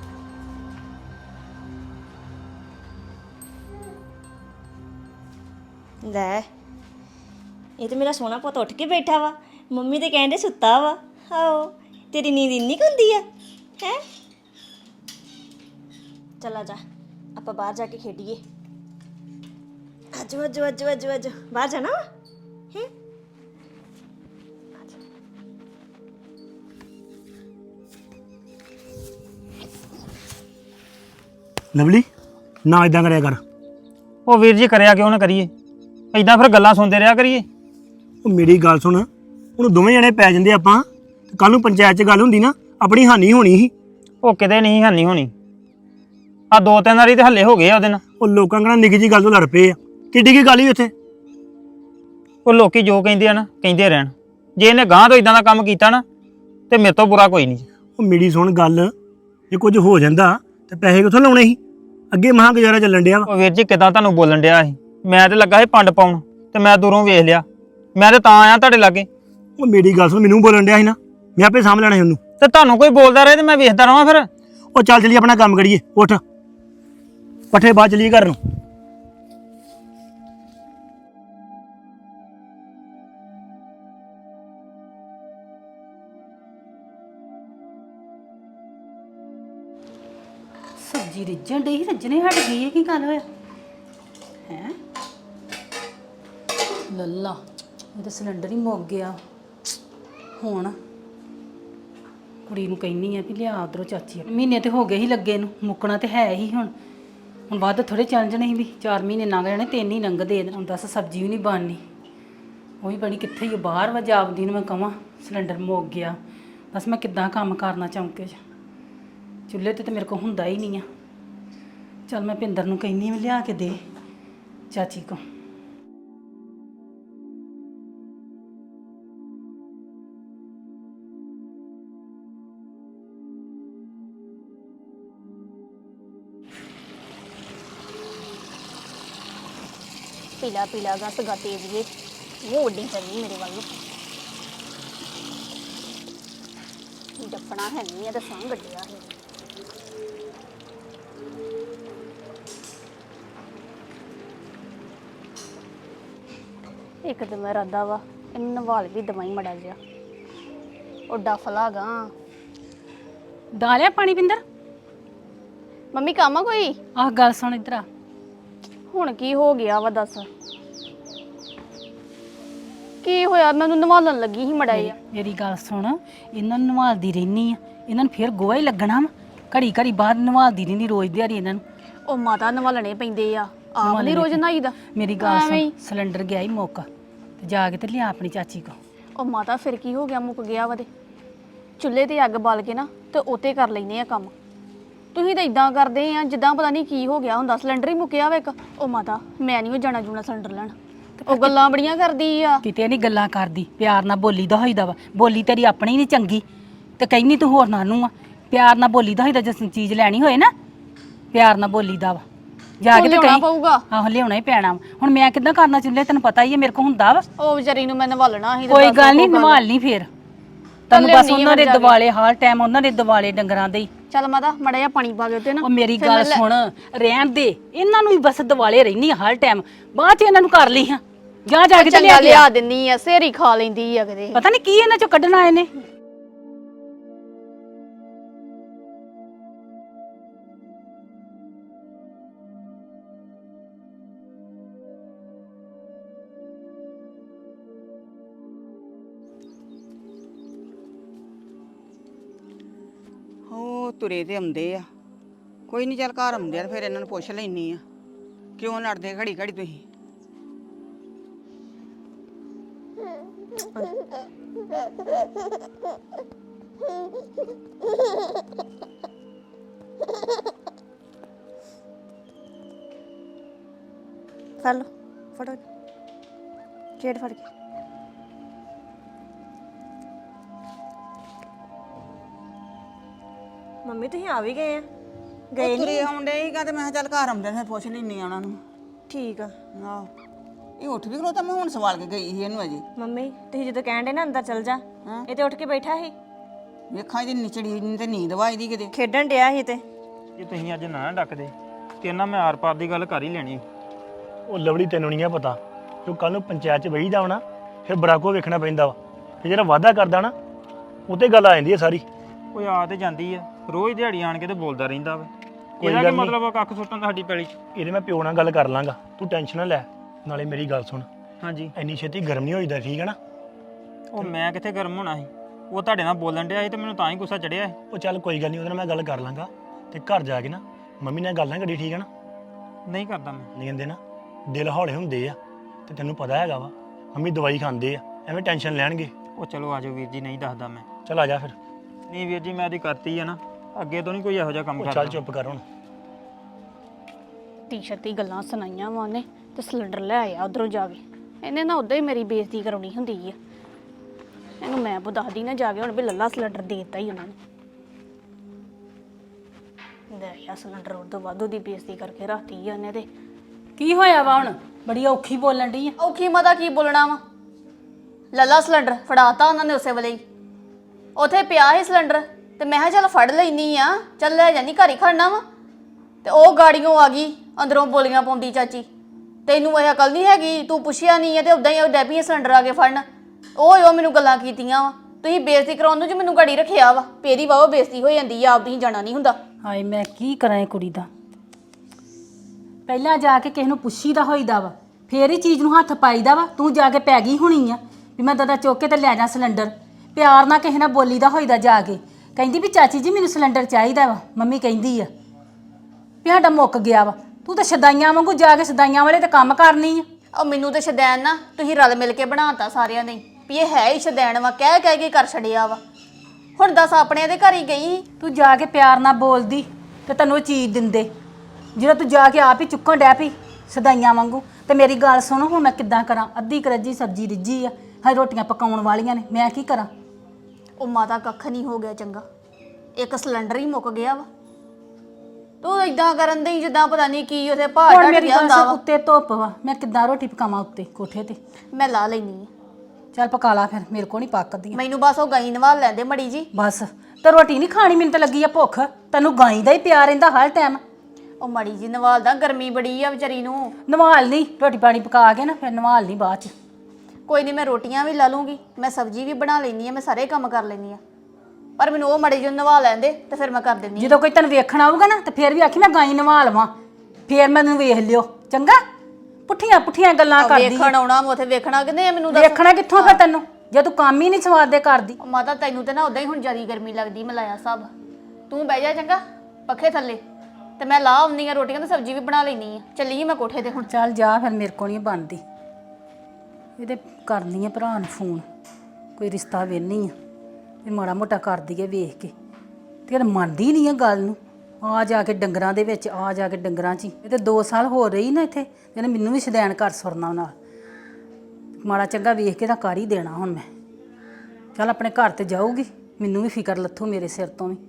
ਲੈ ਇਹ ਤੇ ਮੇਰਾ ਸੋਹਣਾ ਪੁੱਤ ਉੱਠ ਕੇ ਬੈਠਾ ਵਾ, ਮੰਮੀ ਤੇ ਕਹਿੰਦੇ ਸੁੱਤਾ ਵਾ। ਆਓ ਤੇਰੀ ਨੀਂਦ ਇੰਨੀ ਕੁ ਹੁੰਦੀ ਆ ਹੈ। ਚੱਲ ਜਾ ਆਪਾਂ ਬਾਹਰ ਜਾ ਕੇ ਖੇਡੀਏ। ਆਜੋ ਆਜੋ ਆਜੋ ਆਜੋ ਆਜੋ ਬਾਹਰ ਜਾਣਾ ਵਾ ਹੈ। ਲਵਲੀ ਨਾ ਇਦਾਂ ਕਰਿਆ ਕਰ। ਉਹ ਵੀਰ ਜੀ ਕਰਿਆ ਕਿਉਂ ਨਾ ਕਰੀਏ, ਏਦਾਂ ਫਿਰ ਗੱਲਾਂ ਸੁਣਦੇ ਰਿਹਾ ਕਰੀਏ। ਉਹ ਮੇਰੀ ਗੱਲ ਸੁਣ, ਉਹਨੂੰ ਦੋਵੇਂ ਜਣੇ ਪੈ ਜਾਂਦੇ ਆਪਾਂ ਤੇ ਕੱਲ ਨੂੰ ਪੰਚਾਇਤ 'ਚ ਗੱਲ ਹੁੰਦੀ ਨਾ ਆਪਣੀ ਹਾਨੀ ਹੋਣੀ ਸੀ। ਉਹ ਕਿਤੇ ਨਹੀਂ ਹਾਨੀ ਹੋਣੀ, ਆ ਦੋ ਤਿੰਨ ਵਾਰੀ ਤੇ ਹੱਲੇ ਹੋ ਗਏ ਆ ਉਹਦੇ ਨਾਲ। ਉਹ ਲੋਕਾਂ ਕਹਿੰਦਾ ਨਿੱਕੀ ਜੀ ਗੱਲ ਤੋਂ ਲੜ ਪਏ ਆ, ਕਿੱਡੀ ਕੀ ਗੱਲ ਹੀ ਉੱਥੇ। ਉਹ ਲੋਕੀ ਜੋ ਕਹਿੰਦੇ ਆ ਨਾ ਕਹਿੰਦੇ ਰਹਿਣ, ਜੇ ਇਹਨੇ ਗਾਂਹ ਤੋਂ ਇਦਾਂ ਦਾ ਕੰਮ ਕੀਤਾ ਨਾ ਤੇ ਮੇਰੇ ਤੋਂ ਬੁਰਾ ਕੋਈ ਨਹੀਂ। ਉਹ ਮੇਰੀ ਸੁਣ ਗੱਲ, ਜੇ ਕੁਝ ਹੋ ਜਾਂਦਾ ਤੇ ਪੈਸੇ ਕਿੱਥੋਂ ਲਾਉਣੇ ਸੀ, ਅੱਗੇ ਮਹਾਂ ਗੁਜ਼ਾਰਾ ਚੱਲਣ ਡਿਆ ਵਾ। ਉਹ ਵੀਰ ਜੀ ਕਿਦਾਂ ਤੁਹਾਨੂੰ ਬੋਲਣ ਡਿਆ ਸੀ, ਮੈਂ ਤੇ ਲੱਗਾ ਸੀ ਪੰਡ ਪਾਉਣ ਤੇ ਮੈਂ ਦੂਰੋਂ ਵੇਖ ਲਿਆ, ਮੈਂ ਤੇ ਤਾਂ ਆਇਆ ਤੁਹਾਡੇ ਲਾਗੇ। ਉਹ ਮੇਰੀ ਗੱਲ ਸੁਣ, ਮੈਨੂੰ ਬੋਲਣ ਡਿਆ ਸੀ ਨਾ, ਮੈਂ ਆਪੇ ਸਾਂਭ ਲੈਣਾ ਸੀ ਉਹਨੂੰ। ਤੇ ਤੁਹਾਨੂੰ ਕੋਈ ਬੋਲਦਾ ਰਹੇ ਤੇ ਮੈਂ ਵੇਖਦਾ ਰਹਾਂ ਫਿਰ। ਉਹ ਚੱਲ ਚਲੀਏ ਆਪਣਾ ਕੰਮ ਕਰੀਏ, ਉੱਠ ਪੱਠੇ ਬਾਅਦ ਚਲੀਏ ਘਰ ਨੂੰ। ਸਬਜ਼ੀ ਰਿੱਝਣ ਡਈ, ਰੱਜਣੇ ਹਟ ਗਈ ਹੈ, ਕੀ ਗੱਲ ਹੋਇਆ ਹੈ। ਲੱਲਾ ਇਹ ਤਾਂ ਸਿਲੰਡਰ ਹੀ ਮੁੱਕ ਗਿਆ। ਹੁਣ ਕੁੜੀ ਨੂੰ ਕਹਿੰਨੀ ਆ ਵੀ ਲਿਆ ਉਧਰੋਂ ਚਾਚੀ, ਮਹੀਨੇ ਤੇ ਹੋ ਗਏ ਹੀ ਲੱਗੇ ਨੂੰ, ਮੁੱਕਣਾ ਤੇ ਹੈ ਹੀ ਹੁਣ। ਹੁਣ ਵੱਧ ਥੋੜੇ ਚੱਲ ਜਾਣੇ ਸੀ ਵੀ ਚਾਰ ਮਹੀਨੇ ਲੰਘ ਜਾਣੇ, ਤਿੰਨ ਹੀ ਲੰਘਦੇ। ਹੁਣ ਦੱਸ ਸਬਜ਼ੀ ਵੀ ਨਹੀਂ ਬਣਨੀ, ਉਹ ਵੀ ਬਣੀ ਕਿੱਥੇ ਹੀ ਬਾਹਰ ਵਾ ਜਾਪਦੀ ਨੂੰ। ਮੈਂ ਕਹਾਂ ਸਿਲੰਡਰ ਮੁੱਕ ਗਿਆ, ਬਸ ਮੈਂ ਕਿੱਦਾਂ ਕੰਮ ਕਰਨਾ ਚੌਂਕੇ 'ਚ, ਚੁੱਲ੍ਹੇ ਤੇ ਤਾਂ ਮੇਰੇ ਕੋਲ ਹੁੰਦਾ ਹੀ ਨਹੀਂ ਆ। ਚੱਲ ਮੈਂ ਪਿੰਦਰ ਨੂੰ ਕਹਿੰਦੀ ਮੈਂ ਲਿਆ ਕੇ ਦੇ ਚਾਚੀ ਕੋ। ਪੀਲਾ ਪੀਲਾ ਗਾ ਸਗਾ ਤੇਜ ਜੇ ਉਹ ਉੱਡੀ ਚੱਲੀ ਮੇਰੇ ਵੱਲ ਨੂੰ। ਡੱਪਣਾ ਹੈ ਨਹੀਂ ਆ, ਦੱਸਾਂ ਗੱਡਿਆ ਹੈ। ਇੱਕ ਤਾਂ ਮੈਂ ਰਾਦਾ ਵਾ ਇਹਨੂੰ ਨਵਾਲ ਵੀ ਦਵਾਈ ਮੜਾ ਜਿਆ, ਉਹ ਡਫਲਾ ਗਾ। ਦਾਲਿਆ ਪਾਣੀ ਪਿੰਦਰ। ਮੰਮੀ ਕੰਮ ਆ ਕੋਈ? ਆਹ ਗੱਲ ਸੁਣ ਇੱਧਰ ਆ। ਹੁਣ ਕੀ ਹੋ ਗਿਆ ਵਾ ਦੱਸ, ਕੀ ਹੋਇਆ? ਮੈਨੂੰ ਨਵਾਲਣ ਲੱਗੀ ਸੀ ਮੜਾ ਜਿਹਾ। ਮੇਰੀ ਗੱਲ ਸੁਣ, ਇਹਨਾਂ ਨੂੰ ਨਵਾਲਦੀ ਰਹਿਨੀ ਆ, ਇਹਨਾਂ ਨੂੰ ਫਿਰ ਗੋਹਾ ਹੀ ਲੱਗਣਾ ਵਾ। ਘੜੀ ਘੜੀ ਬਾਹਰ ਨਵਾਲਦੀ ਰਹਿੰਦੀ ਰੋਜ਼ ਦਿਹਾੜੀ ਇਹਨਾਂ ਨੂੰ। ਉਹ ਮਾਤਾ ਨਵਾਲਣੇ ਪੈਂਦੇ ਆ, ਆਪ ਨਹੀਂ ਰੋਜ਼ ਨਹਾਈ ਦਾ। ਮੇਰੀ ਗੱਲ ਸੁਣ, ਸਿਲੰਡਰ ਗਿਆ ਹੀ ਮੁੱਕ, ਤੇ ਜਾ ਕੇ ਤੇ ਲਿਆ ਆਪਣੀ ਚਾਚੀ ਕੋ। ਉਹ ਮਾਤਾ ਫਿਰ ਕੀ ਹੋ ਗਿਆ, ਮੁੱਕ ਗਿਆ ਵਾ ਤੇ ਚੁੱਲ੍ਹੇ ਤੇ ਅੱਗ ਬਾਲ ਕੇ ਨਾ ਤੇ ਉੱਤੇ ਕਰ ਲੈਨੇ ਆ ਕੰਮ। ਤੁਸੀਂ ਤਾਂ ਇਦਾਂ ਕਰਦੇ ਆ ਜਿੱਦਾਂ ਪਤਾ ਨਹੀਂ ਕੀ ਹੋ ਗਿਆ ਹੁੰਦਾ, ਸਿਲੰਡਰ ਹੀ ਮੁੱਕਿਆ ਵਾ ਇੱਕ। ਉਹ ਮਾਤਾ ਮੈਂ ਨਹੀਂ ਉਹ ਜਾਣਾ ਜੂਣਾ ਸਿਲੰਡਰ ਲੈਣ, ਉਹ ਗੱਲਾਂ ਬੜੀਆਂ ਕਰਦੀ ਆ। ਕਿਤੇ ਨਹੀਂ ਗੱਲਾਂ ਕਰਦੀ, ਪਿਆਰ ਨਾਲ ਬੋਲੀ ਦਾ ਹੋਈਦਾ ਵਾ। ਬੋਲੀ ਤੇਰੀ ਆਪਣੀ ਨਹੀਂ ਚੰਗੀ ਤੇ ਕਹਿੰਦੀ ਤੂੰ ਹੋਰ ਨਾਨੂੰ ਆ। ਪਿਆਰ ਨਾਲ ਬੋਲੀ ਦਾ ਹੋਈਦਾ, ਜੇ ਚੀਜ਼ ਲੈਣੀ ਹੋਏ ਨਾ ਪਿਆਰ ਨਾਲ ਬੋਲੀ ਦਾ ਵਾ। ਜਾ ਕੇ ਤੇ ਕਹੀਂ ਪਊਗਾ। ਆਹੋ ਲਿਆਉਣਾ ਹੀ ਪੈਣਾ ਵਾ। ਹੁਣ ਮੈਂ ਕਿੱਦਾਂ ਕਰਨਾ ਚੁੱਲ੍ਹੇ, ਤੈਨੂੰ ਪਤਾ ਹੀ ਹੈ ਮੇਰੇ ਕੋ ਹੁੰਦਾ ਵਾ। ਉਹ ਵਿਚਾਰੀ ਨੂੰ ਮੈਂ ਨਵਾਲਣਾ ਸੀ। ਕੋਈ ਗੱਲ ਨਹੀਂ, ਨਵਾਲ ਨਹੀਂ ਫੇਰ ਤੈਨੂੰ, ਬਸ ਉਹਨਾਂ ਦੇ ਦਿਵਾਲੇ ਹਰ ਟਾਈਮ, ਉਹਨਾਂ ਦੇ ਦਿਵਾਲੇ ਡੰਗਰਾਂ ਦੇ ਹੀ। ਚੱਲ ਮਾਤਾ ਮੜਾ ਜਿਹਾ ਪਾਣੀ ਪਾ ਕੇ ਉੱਤੇ ਨਾ। ਉਹ ਮੇਰੀ ਗੱਲ ਸੁਣ, ਰਹਿਣ ਦੇ ਇਹਨਾਂ ਨੂੰ ਹੀ, ਬਸ ਦਿਵਾਲੇ ਰਹਿਨੀ ਹਰ ਟਾਈਮ। ਬਾਅਦ ਚ ਇਹਨਾਂ ਨੂੰ ਕਰ ਲਈ ਹਾਂ, ਜਾ ਜਾ ਕੇ ਤੇ ਚੰਗਾ ਲਿਆ ਦਿੰਨੀ ਆ, ਸੇਰੀ ਖਾ ਲੈਂਦੀ ਆ ਕਦੇ। ਪਤਾ ਨਹੀਂ ਕੀ ਇਹਨਾਂ ਚੋਂ ਕੱਢਣਾ ਇਹਨੇ। ਤੁਰੇ ਤੇ ਆਉਂਦੇ ਆ। ਕੋਈ ਨਹੀਂ, ਚੱਲ ਘਰ ਆਉਂਦੇ ਆ ਤੇ ਫਿਰ ਇਹਨਾਂ ਨੂੰ ਪੁੱਛ ਲੈਣੀ ਆ ਕਿਉਂ ਲੜਦੇ ਘੜੀ ਘੜੀ ਤੁਸੀਂ। ਫੜ ਲਓ, ਫੜੋ ਚੇੜ ਫੜ ਕੇ। ਮੰਮੀ ਤੁਸੀਂ ਆ ਵੀ ਗਏ ਆ? ਗਏ ਉਹ ਤੁਰੇ ਨਹੀਂ? ਆਉਂਦੇ ਸੀਗਾ ਤੇ ਮੈਂ ਕਿਹਾ ਚੱਲ ਘਰ ਆਉਂਦੇ ਆ ਫਿਰ ਪੁੱਛ ਲੈਣੀ ਆ ਉਹਨਾਂ ਨੂੰ। ਠੀਕ ਆ। ਆਹ ਇਹ ਉੱਠ ਵੀ ਖਲੋਤਾ, ਮੈਂ ਹੁਣ ਸਵਾਲ ਕੇ ਗਈ ਸੀ ਇਹਨੂੰ ਅਜੇ। ਮੰਮੀ ਤੁਸੀਂ ਜਦੋਂ ਕਹਿਣ ਦੇ ਨਾ ਅੰਦਰ ਚਲ ਜਾ, ਹਾਂ। ਇਹ ਤੇ ਉੱਠ ਕੇ ਬੈਠਾ ਸੀ, ਵੇਖਾਂ ਇਹਦੀ ਨਿਚੜੀ ਨੀ ਤੇ ਨੀਂਦ ਵਾਜਦੀ ਕਿਤੇ। ਖੇਡਣ ਡਿਆ ਸੀ ਤੇ। ਜੇ ਤੁਸੀਂ ਅੱਜ ਨਾ ਡੱਕਦੇ ਤੇ ਨਾ ਮੈਂ ਆਰ ਪਾਰ ਦੀ ਗੱਲ ਕਰ ਹੀ ਲੈਣੀ। ਉਹ ਲਵਲੀ ਤੈਨੂੰ ਨਹੀਂ ਆ ਪਤਾ, ਜੋ ਕੱਲ ਨੂੰ ਪੰਚਾਇਤ 'ਚ ਬਹੀਦਾ ਹੋਣਾ ਫਿਰ ਬਰਾਕੋ ਵੇਖਣਾ ਪੈਂਦਾ ਵਾ। ਤੇ ਜਿਹੜਾ ਵਾਅਦਾ ਕਰਦਾ ਨਾ ਉਹ ਤੇ ਗੱਲ ਆ ਜਾਂਦੀ ਹੈ ਸਾਰੀ। ਉਹ ਆ ਤੇ ਜਾਂਦੀ ਆ, ਰੋਜ਼ ਦਿਹਾੜੀ ਆਣ ਕੇ ਤੇ ਬੋਲਦਾ ਰਹਿੰਦਾ ਵਾ। ਕੋਈ ਇਹਦਾ ਗੱਲ ਕੀ ਨੀ। ਮਤਲਬ ਆ ਕੱਖ ਸੁੱਟਣ ਦਾ ਸਾਡੀ ਪੈਲੀ 'ਚ? ਇਹਦੇ ਮੈਂ ਪਿਓ ਨਾਲ ਗੱਲ ਕਰ ਲਾਂਗਾ, ਤੂੰ ਟੈਨਸ਼ਨ ਨਾ ਲੈ। ਨਾਲੇ ਮੇਰੀ ਗੱਲ ਸੁਣ, ਹਾਂਜੀ। ਇੰਨੀ ਛੇਤੀ ਗਰਮ ਨਹੀਂ ਹੋਈਦਾ, ਠੀਕ ਹੈ ਨਾ? ਉਹ ਮੈਂ ਕਿੱਥੇ ਗਰਮ ਹੋਣਾ ਸੀ, ਉਹ ਤੁਹਾਡੇ ਨਾਲ ਬੋਲਣ ਡਿਆ ਸੀ ਤੇ ਮੈਨੂੰ ਤਾਂ ਹੀ ਗੁੱਸਾ ਚੜਿਆ ਸੀ। ਉਹ ਚੱਲ ਕੋਈ ਗੱਲ ਨਹੀਂ, ਉਹਦੇ ਨਾਲ ਮੈਂ ਗੱਲ ਕਰ ਲਾਂਗਾ ਤੇ ਘਰ ਜਾ ਕੇ ਨਾ ਮੰਮੀ ਨਾਲ ਗੱਲ ਨਾ ਕਰੀ, ਠੀਕ ਹੈ ਨਾ? ਨਹੀਂ ਕਰਦਾ ਮੈਂ। ਨਹੀਂ ਕਹਿੰਦੇ ਨਾ ਦਿਲ ਹੌਲੇ ਹੁੰਦੇ ਆ, ਤੇ ਤੈਨੂੰ ਪਤਾ ਹੈਗਾ ਵਾ ਮੰਮੀ ਦਵਾਈ ਖਾਂਦੇ ਆ, ਐਵੇਂ ਟੈਨਸ਼ਨ ਲੈਣਗੇ। ਉਹ ਚਲੋ ਆਜੋ ਵੀਰ ਜੀ, ਨਹੀਂ ਦੱਸਦਾ ਮੈਂ। ਚੱਲ ਆ ਜਾ ਫਿਰ। ਨਹੀਂ ਵੀਰ ਜੀ, ਮੈਂ ਉਹਦੀ ਕਰਤੀ ਆ ਨਾ, ਅੱਗੇ ਤੋਂ ਨਹੀਂ ਕੋਈ ਇਹੋ ਜਿਹਾ ਕੰਮ ਉਹ ਕਰਦਾ। ਚੱਲ ਚੁੱਪ ਕਰ ਹੁਣ। ਟੀ-ਸ਼ਰਟ ਦੀ ਗੱਲਾਂ ਸੁਣਾਈਆਂ ਵਾ ਉਹਨੇ ਤੇ ਸਿਲੰਡਰ ਲੈ ਆਇਆ ਉਧਰੋਂ ਜਾ ਕੇ। ਇਹਨੇ ਨਾ ਉਦਾਂ ਹੀ ਮੇਰੀ ਬੇਇੱਜ਼ਤੀ ਕਰਾਉਣੀ ਹੁੰਦੀ ਆ। ਇਹਨੂੰ ਮੈਂ ਬੁਦਾਦੀ ਨਾ ਜਾ ਕੇ ਹੁਣ ਵੀ ਲੱਲਾ ਸਿਲੰਡਰ ਦੇ ਦਿੱਤਾ ਹੀ ਉਹਨਾਂ ਨੇ। ਲੈ ਆ ਸਿਲੰਡਰ ਉਦੋਂ ਵਾਧੂ ਦੀ ਬੇਇੱਜ਼ਤੀ ਕਰਕੇ ਰੱਖਤੀ ਆ ਉਹਨੇ ਤੇ। ਕੀ ਹੋਇਆ ਵਾ ਹੁਣ? ਬੜੀ ਔਖੀ ਬੋਲਣ ਡਈ ਆ। ਔਖੀ ਮਦਾ ਕੀ ਬੋਲਣਾ ਵਾ, ਲੱਲਾ ਸਿਲੰਡਰ ਫੜਾਤਾ ਉਹਨਾਂ ਨੇ ਉਸੇ ਵੇਲੇ ਹੀ। ਉੱਥੇ ਪਿਆ ਸੀ ਸਿਲੰਡਰ ਤੇ ਮੈਂ ਕਿਹਾ ਚੱਲ ਫੜ ਲੈਨੀ ਆ, ਚੱਲ ਲੈ ਜਾਨੀ, ਘਰ ਹੀ ਖੜਨਾ ਵਾ। ਤੇ ਉਹ ਗਾੜੀਆਂ ਆ ਗਈ ਅੰਦਰੋਂ ਬੋਲੀਆਂ ਪਾਉਂਦੀ, ਚਾਚੀ ਤੈਨੂੰ ਇਹ ਅਕਲ ਨਹੀਂ ਹੈਗੀ, ਤੂੰ ਪੁੱਛਿਆ ਨਹੀਂ ਹੈ ਤੇ ਉਦਾਂ ਹੀ ਡੈਪੀ ਸਿਲੰਡਰ ਆ ਕੇ ਫੜਨ। ਉਹ ਉਹ ਮੈਨੂੰ ਗੱਲਾਂ ਕੀਤੀਆਂ ਵਾ, ਤੁਸੀਂ ਬੇਇੱਜ਼ਤੀ ਕਰਾਉਣ ਨੂੰ ਜੇ ਮੈਨੂੰ ਗਾੜੀ ਰੱਖਿਆ ਵਾ, ਫੇਰ ਹੀ ਵਾਹ ਬੇਇੱਜ਼ਤੀ ਹੋ ਜਾਂਦੀ ਆ, ਆਪਦੀ ਹੀ ਜਾਣਾ ਨਹੀਂ ਹੁੰਦਾ। ਹਾਏ ਮੈਂ ਕੀ ਕਰਾਂ ਇਹ ਕੁੜੀ ਦਾ। ਪਹਿਲਾਂ ਜਾ ਕੇ ਕਿਸੇ ਨੂੰ ਪੁੱਛੀਦਾ ਹੋਈਦਾ ਵਾ, ਫੇਰ ਹੀ ਚੀਜ਼ ਨੂੰ ਹੱਥ ਪਾਈਦਾ ਵਾ। ਤੂੰ ਜਾ ਕੇ ਪੈ ਗਈ ਹੋਣੀ ਆ ਵੀ ਮੈਂ ਦਾਦਾ ਚੁੱਕ ਕੇ ਤੇ ਲੈ ਜਾ ਸਿਲੰਡਰ। ਪਿਆਰ ਨਾਲ ਕਿਸੇ ਨਾਲ ਬੋਲੀਦਾ ਹੋਈਦਾ ਜਾ ਕੇ। ਕਹਿੰਦੀ ਵੀ ਚਾਚੀ ਜੀ ਮੈਨੂੰ ਸਿਲੰਡਰ ਚਾਹੀਦਾ ਵਾ, ਮੰਮੀ ਕਹਿੰਦੀ ਆ ਵੀ ਸਾਡਾ ਮੁੱਕ ਗਿਆ ਵਾ। ਤੂੰ ਤਾਂ ਸ਼ਦਾਈਆਂ ਵਾਂਗੂ ਜਾ ਕੇ ਸ਼ਦਾਈਆਂ ਵਾਲੇ ਤੇ ਕੰਮ ਕਰਨੀ ਆ। ਉਹ ਮੈਨੂੰ ਤੇ ਸ਼ਦੈਨ ਨਾ ਤੁਸੀਂ ਰਲ ਮਿਲ ਕੇ ਬਣਾਤਾ ਸਾਰਿਆਂ ਨੇ ਵੀ ਇਹ ਹੈ ਹੀ ਸ਼ਦੈਨ ਵਾ, ਕਹਿ ਕਹਿ ਕੇ ਕਰ ਛੜਿਆ ਵਾ। ਹੁਣ ਦੱਸ ਆਪਣੇ ਦੇ ਘਰ ਹੀ ਗਈ। ਤੂੰ ਜਾ ਕੇ ਪਿਆਰ ਨਾਲ ਬੋਲਦੀ ਤੇ ਤੈਨੂੰ ਉਹ ਚੀਜ਼ ਦਿੰਦੇ। ਜਦੋਂ ਤੂੰ ਜਾ ਕੇ ਆਪ ਹੀ ਚੁੱਕਣ ਡੈ ਪਈ ਸ਼ਦਾਈਆਂ ਵਾਂਗੂ। ਤੇ ਮੇਰੀ ਗੱਲ ਸੁਣੋ, ਹੁਣ ਮੈਂ ਕਿੱਦਾਂ ਕਰਾਂ? ਅੱਧੀ ਕਰੱਜੀ ਸਬਜ਼ੀ ਰਿੱਝੀ ਆ, ਹਾਂ ਰੋਟੀਆਂ ਪਕਾਉਣ ਵਾਲੀਆਂ ਨੇ, ਮੈਂ ਕੀ ਕਰਾਂ? ਉਹ ਮਾਤਾ ਕੱਖ ਨਹੀਂ ਹੋ ਗਿਆ ਚੰਗਾ, ਇੱਕ ਸਿਲੰਡਰ ਹੀ ਮੁੱਕ ਗਿਆ ਵਾ। ਤੂੰ ਇਦਾਂ ਕਰਨ ਦੇ ਜਿੱਦਾਂ ਪਤਾ ਨਹੀਂ ਕੀ ਉਥੇ ਭਾਰ ਹੁਣ ਢੱਟ ਮੇਰੀ ਗਿਆ ਗੱਲ ਹੁੰਦਾ ਸੁਣ, ਵਾ। ਉੱਤੇ ਧੁੱਪ ਵਾ, ਮੈਂ ਕਿੱਦਾਂ ਰੋਟੀ ਪਕਾਵਾਂ ਉੱਤੇ ਕੋਠੇ ਤੇ? ਮੈਂ ਲਾ ਲੈਣੀ ਆ। ਚੱਲ ਪਕਾ ਲਾ ਫਿਰ, ਮੇਰੇ ਕੋ ਨਹੀਂ ਪੱਕਦੀ। ਮੈਨੂੰ ਬਸ ਉਹ ਗਾਈ ਨਵਾਲ ਲੈਂਦੇ ਮੜੀ ਜੀ। ਬਸ ਤੇ ਰੋਟੀ ਨਹੀਂ ਖਾਣੀ, ਮੈਨੂੰ ਤਾਂ ਲੱਗੀ ਆ ਭੁੱਖ। ਤੈਨੂੰ ਗਾਈ ਦਾ ਹੀ ਪਿਆਰ ਰਹਿੰਦਾ ਹਰ ਟਾਈਮ। ਉਹ ਮੜੀ ਜੀ ਨਵਾਲਦਾ, ਗਰਮੀ ਬੜੀ ਆ ਵਿਚਾਰੀ ਨੂੰ। ਨਵਾਲ ਨਹੀਂ, ਰੋਟੀ ਪਾਣੀ ਪਕਾ ਕੇ ਨਾ ਫਿਰ ਨਵਾਲ ਨਹੀਂ ਬਾਅਦ ਚ। ਕੋਈ ਨਹੀਂ, ਮੈਂ ਰੋਟੀਆਂ ਵੀ ਲਾ ਲੂੰਗੀ, ਮੈਂ ਸਬਜ਼ੀ ਵੀ ਬਣਾ ਲੈਣੀ ਆ, ਮੈਂ ਸਾਰੇ ਕੰਮ ਕਰ ਲੈਣੀ ਆ। ਪਰ ਮੈਨੂੰ ਉਹ ਮੜੀ ਜੀ ਨਵਾ ਲੈਂਦੇ ਤੇ ਫਿਰ ਮੈਂ ਕਰ ਦਿੰਦੀ। ਜਦੋਂ ਕੋਈ ਤੈਨੂੰ ਵੇਖਣ ਆਊਗਾ ਨਾ ਤੇ ਫਿਰ ਵੀ ਆਖੀ ਮੈਂ ਗਾਈ ਨਵਾ ਲਵਾਂ, ਫਿਰ ਮੈਨੂੰ ਵੇਖ ਲਿਓ ਚੰਗਾ। ਪੁੱਠੀਆਂ ਪੁੱਠੀਆਂ ਗੱਲਾਂ ਕਰਦੀ। ਵੇਖਣ ਆਉਣਾ ਮੈਂ ਉੱਥੇ ਵੇਖਣਾ ਕਿੰਨੇ ਆ ਮੈਨੂੰ ਦੱਸ। ਵੇਖਣਾ ਕਿੱਥੋਂ ਫਿਰ ਤੈਨੂੰ, ਜੇ ਤੂੰ ਕੰਮ ਹੀ ਨਹੀਂ ਸਵਾਦ ਦੇ ਕਰਦੀ। ਉਹ ਮਾਤਾ ਤੈਨੂੰ ਤੇ ਨਾ ਉਦਾਂ ਹੀ ਹੁਣ ਜਿਆਦਾ ਗਰਮੀ ਲੱਗਦੀ ਮਲਾਇਆ ਸਭ। ਤੂੰ ਬਹਿ ਜਾ ਚੰਗਾ ਪੱਖੇ ਥੱਲੇ, ਤੇ ਮੈਂ ਲਾ ਆਉਂਦੀ ਆ ਰੋਟੀਆਂ ਤੇ ਸਬਜ਼ੀ ਵੀ ਬਣਾ ਲੈਣੀ ਆ। ਚੱਲੀ ਮੈਂ ਕੋਠੇ ਤੇ ਹੁਣ। ਚੱਲ ਜਾ ਫਿਰ, ਮੇਰੇ ਕੋਲ ਨਹੀਂ ਬਣਦੀ। ਇਹਦੇ ਕਰਨੀ ਆ ਭਰਾ ਨੂੰ ਫੋਨ, ਕੋਈ ਰਿਸ਼ਤਾ ਵੇਖਣੀ ਆ ਤੇ ਮਾੜਾ ਮੋਟਾ ਕਰ ਦਈਏ ਵੇਖ ਕੇ। ਤੇ ਯਾਰ ਮੰਨਦੀ ਨਹੀਂ ਆ ਗੱਲ ਨੂੰ। ਆ ਜਾ ਕੇ ਡੰਗਰਾਂ ਦੇ ਵਿੱਚ, ਆ ਜਾ ਕੇ ਡੰਗਰਾਂ 'ਚ ਹੀ। ਇਹ ਤੇ ਦੋ ਸਾਲ ਹੋ ਰਹੀ ਨਾ ਇੱਥੇ, ਇਹਨੇ ਮੈਨੂੰ ਵੀ ਸ਼ਦੈਣ ਕਰ ਸੁਰਨਾ ਨਾਲ। ਮਾੜਾ ਚੰਗਾ ਵੇਖ ਕੇ ਤਾਂ ਕਰ ਹੀ ਦੇਣਾ ਹੁਣ ਮੈਂ। ਚੱਲ ਆਪਣੇ ਘਰ ਤੇ ਜਾਊਗੀ, ਮੈਨੂੰ ਵੀ ਫਿਕਰ ਲੱਥੂ ਮੇਰੇ ਸਿਰ ਤੋਂ ਵੀ।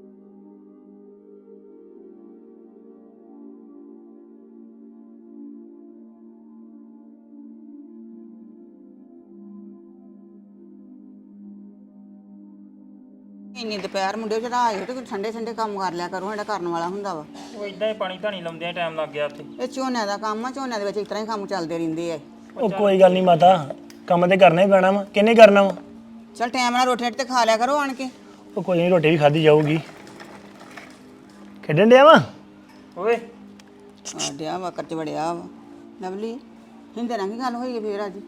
ਇੰਨੀ ਦੁਪਹਿਰ ਮੁੰਡੇ ਚੜਾ ਆਏ ਤੇ ਠੰਡੇ ਠੰਡੇ ਕੰਮ ਕਰ ਲਿਆ ਕਰੋ, ਜਿਹੜਾ ਕਰਨ ਵਾਲਾ ਹੁੰਦਾ ਵਾ। ਉਹ ਇਦਾਂ ਹੀ ਪਾਣੀ ਧਾਣੀ ਲਾਉਂਦਿਆਂ ਟਾਈਮ ਲੱਗ ਗਿਆ ਉੱਥੇ। ਇਹ ਝੋਨਿਆਂ ਦਾ ਕੰਮ ਆ, ਝੋਨਿਆਂ ਦੇ ਵਿੱਚ ਇਸ ਤਰ੍ਹਾਂ ਹੀ ਕੰਮ ਚੱਲਦੇ ਰਹਿੰਦੇ ਆ। ਉਹ ਕੋਈ ਗੱਲ ਨਹੀਂ ਮਾਤਾ, ਕੰਮ ਤੇ ਕਰਨਾ ਹੀ ਪੈਣਾ ਵਾ, ਕਿੰਨੇ ਕਰਨਾ ਵਾ? ਚਲ ਟਾਈਮ ਨਾਲ ਰੋਟੀ ਤੇ ਖਾ ਲਿਆ ਕਰੋ ਆਣ ਕੇ। ਉਹ ਕੋਈ ਨਹੀਂ, ਰੋਟੀ ਵੀ ਖਾਧੀ ਜਾਊਗੀ। ਖੇਡਣ ਡਿਆ ਵਾ? ਓਏ ਆ ਡਿਆ ਵਾ ਕਰ ਚ ਵੜਿਆ ਵਾ। ਲਵਲੀ ਹਿੰਦੇ ਨਾਲ ਕੀ ਗੱਲ ਹੋਈ ਹੈ ਫੇਰ ਅੱਜ?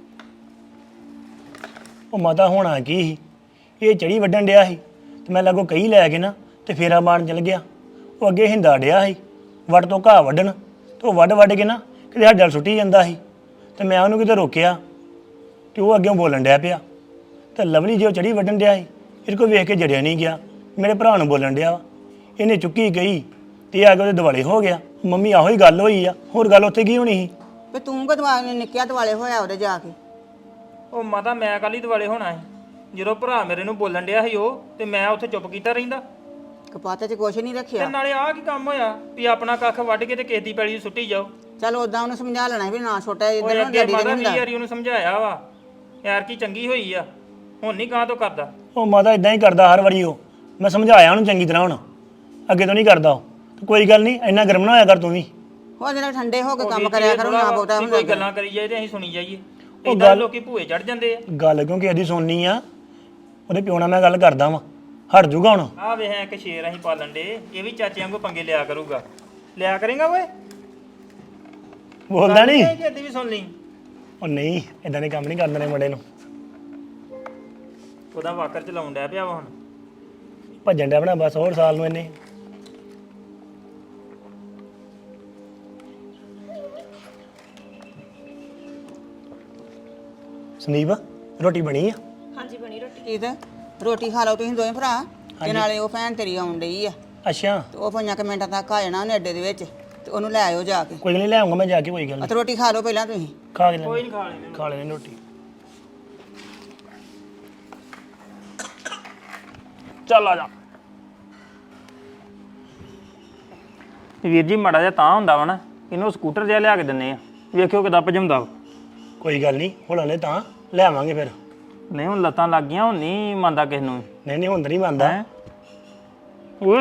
ਉਹ ਮਾਤਾ ਹੋਣਾ ਕੀ ਸੀ, ਇਹ ਚੜੀ ਵੱਢਣ ਡਿਆ ਸੀ ਤੇ ਮੈਂ ਲਾਗੋ ਕਹੀ ਲੈ ਕੇ ਨਾ ਤੇ ਫੇਰਾ ਮਾਰਨ ਚਲ ਗਿਆ। ਉਹ ਅੱਗੇ ਹਿੰਦਾ ਡਿਆ ਸੀ ਵੱਟ ਤੋਂ ਘਾਹ ਵੱਢਣ, ਤੇ ਉਹ ਵੱਢ ਵੱਢ ਕੇ ਨਾ ਕਿਤੇ ਹੱਡਲ ਸੁੱਟੀ ਜਾਂਦਾ ਸੀ। ਤੇ ਮੈਂ ਉਹਨੂੰ ਕਿਤੇ ਰੋਕਿਆ ਤੇ ਉਹ ਅੱਗੇ ਬੋਲਣ ਡਿਆ ਪਿਆ। ਤੇ ਲਵਲੀ ਜੋ ਚੜੀ ਵੱਢਣ ਡਿਆ ਸੀ, ਇਹਦੇ ਕੋਲ ਵੇਖ ਕੇ ਜੜਿਆ ਨਹੀਂ ਗਿਆ, ਮੇਰੇ ਭਰਾ ਨੂੰ ਬੋਲਣ ਡਿਆ ਵਾ। ਇਹਨੇ ਚੁੱਕੀ ਗਈ ਤੇ ਇਹ ਆ ਕੇ ਉਹਦੇ ਦਿਵਾਲੇ ਹੋ ਗਿਆ। ਮੰਮੀ ਆਹੋ ਹੀ ਗੱਲ ਹੋਈ ਆ, ਹੋਰ ਗੱਲ ਉੱਥੇ ਕੀ ਹੋਣੀ ਸੀ? ਵੀ ਤੂੰ ਕਦਵਾ ਨਿੱਕਿਆ ਦਿਵਾਲੇ ਹੋਇਆ ਉਹਦੇ ਜਾ ਕੇ। ਉਹ ਮਾਤਾ ਮੈਂ ਕੱਲ ਹੀ ਦਿਵਾਲੇ ਹੋਣਾ ਸੀ ਜਦੋਂ ਭਰਾ ਮੇਰੇ ਨੂੰ ਬੋਲਣ ਡਿਆ ਸੀ ਉਹ, ਤੇ ਮੈਂ ਉੱਥੇ ਚੁੱਪ ਕੀਤਾ ਰਹਿੰਦਾ। ਕਪਾਤੇ 'ਚ ਕੁਛ ਨਹੀਂ ਤੇ ਰੱਖਿਆ। ਨਾਲੇ ਆਹ ਕੀ ਕੰਮ ਹੋਇਆ ਵੀ ਆਪਣਾ ਕੱਖ ਵੱਢ ਕੇ ਤੇ ਕਿਸੇ ਦੀ ਪੈਲੀ 'ਚ ਸੁੱਟੀ ਜਾਓ। ਚੱਲ ਉਦਾਂ ਉਹਨੂੰ ਸਮਝਾ ਲੈਣਾ ਵੀ ਨਾ ਛੋਟਾ ਉਹ ਇੱਧਰ ਨੂੰ ਅੱਗੇ ਡੈਡੀ ਦੇ ਮਾਤਾ ਨਹੀਂ ਵੀਹ ਹੁੰਦਾ। ਵਾਰੀ ਉਹਨੂੰ ਸਮਝਾਇਆ ਵਾ ਯਾਰ ਕੀ ਚੰਗੀ ਹੋਈ ਆ, ਹੁਣ ਨਹੀਂ ਗਾਂ ਤੋਂ ਕਰਦਾ। ਉਹ ਮਾਤਾ ਇਦਾਂ ਹੀ ਕਰਦਾ ਹਰ ਵਾਰੀ। ਉਹ ਮੈਂ ਸਮਝਾਇਆ ਉਹਨੂੰ ਚੰਗੀ ਤਰ੍ਹਾਂ, ਹੁਣ ਅੱਗੇ ਤੋਂ ਨਹੀਂ ਕਰਦਾ ਉਹ। ਤੇ ਕੋਈ ਗੱਲ ਨਹੀਂ, ਇੰਨਾ ਗਰਮ ਨਾ ਹੋਇਆ ਕਰ ਤੂੰ ਵੀ। ਉਹ ਜਿਹੜਾ ਠੰਡੇ ਹੋ ਕੇ ਕੰਮ ਕਰਿਆ ਕਰੋ, ਨਾ ਬਹੁਤਾ ਕੋਈ ਹੁੰਦਾ। ਗੱਲਾਂ ਕਰੀ ਜਾਏ ਤੇ ਅਸੀਂ ਸੁਣੀ ਜਾਈਏ। ਇਦਾਂ ਲੋਕੀ ਭੂਏ ਚੜ ਜਾਂਦੇ ਆ। ਗੱਲ ਕਿਉਂਕਿ ਇਹਦੀ ਸੁਣਨੀ ਆ, ਉਹਦੇ ਪਿਓ ਨਾਲ ਮੈਂ ਗੱਲ ਕਰਦਾ ਵਾਂ, ਹਟ ਜੂਗਾ ਹੁਣ। ਆ ਵੇ ਹੈ ਇੱਕ ਸ਼ੇਰ ਅਸੀਂ ਪਾਲਣ ਦੇ, ਇਹ ਵੀ ਚਾਚੇ ਵਾਂਗੂ ਪੰਗੇ ਲਿਆ ਕਰੂਗਾ। ਲਿਆ ਕਰੇਗਾ ਓਏ? ਬੋਲਦਾ ਨਹੀਂ? ਇਹਦੀ ਵੀ ਸੁਣ ਲਈ। ਉਹ ਨਹੀਂ, ਇਦਾਂ ਦੇ ਕੰਮ ਨਹੀਂ ਕਰਦੇ ਨੇ ਮੁੰਡੇ ਨੂੰ। ਉਹਦਾ ਵਾਕਰ ਚਲਾਉਣ ਡਿਆ ਪਿਆ ਵਾ ਹੁਣ। ਭੱਜਣ ਡਿਆ ਬਣਾ ਬਸ ਹੋਰ ਸਾਲ ਨੂੰ ਇਹਨੇ। ਸੰਦੀਪ ਰੋਟੀ ਬਣੀ ਆ? ਹਾਂਜੀ ਬਣੀ ਰੋਟੀ। ਕੀ ਤੇ ਰੋਟੀ ਖਾ ਲਓ ਤੁਸੀਂ ਦੋਵੇਂ ਭਰਾ, ਤੇ ਨਾਲੇ ਉਹ ਭੈਣ ਤੇਰੀ ਆਉਣ ਡਈ ਆ, ਅੱਛਾ ਤੇ ਉਹ ਪੰਜਾਂ ਕੁ ਮਿੰਟਾਂ ਤੱਕ ਆ ਜਾਣਾ ਉਹਨੇ ਅੱਡੇ ਦੇ ਵਿੱਚ, ਤੇ ਉਹਨੂੰ ਲੈ ਆਇਓ ਜਾ ਕੇ। ਕੋਈ ਗੱਲ ਨਹੀਂ, ਲੈ ਆਉਂਗਾ ਮੈਂ ਜਾ ਕੇ, ਕੋਈ ਗੱਲ ਆ ਨਹੀਂ। ਤੇ ਰੋਟੀ ਖਾ ਲਓ ਪਹਿਲਾਂ ਤੁਸੀਂ। ਖਾ ਕੇ ਕੋਈ ਲੈ ਨਹੀਂ ਖਾ ਲੈਣੇ। ਖਾ ਲੈਣੇ ਰੋਟੀ। ਚੱਲ ਆ ਜਾ। ਵੀਰ ਜੀ ਮਾੜਾ ਜਿਹਾ ਤਾਂ ਹੁੰਦਾ ਵਾ ਨਾ, ਇਹਨੂੰ ਸਕੂਟਰ ਜਿਹਾ ਲਿਆ ਕੇ ਦਿੰਨੇ ਆ, ਵੇਖਿਓ ਕਿਦਾਂ ਭਜਮਦਾ ਵਾ। ਕੋਈ ਗੱਲ ਨਹੀਂ, ਹੁਣ ਹਲੇ ਤਾਂ ਲੈ ਆਵਾਂਗੇ ਫਿਰ। ਨਹੀਂ ਹੁਣ ਲੱਤਾਂ ਲੱਗ ਗਈਆਂ, ਹੁਣ ਨਹੀਂ ਮੰਨਦਾ ਕਿਸੇ ਨੂੰ। ਨਹੀਂ ਨਹੀਂ, ਹੁਣ ਤਾਂ ਨਹੀਂ ਮੰਨਦਾ। ਹੈਂ? ਓਏ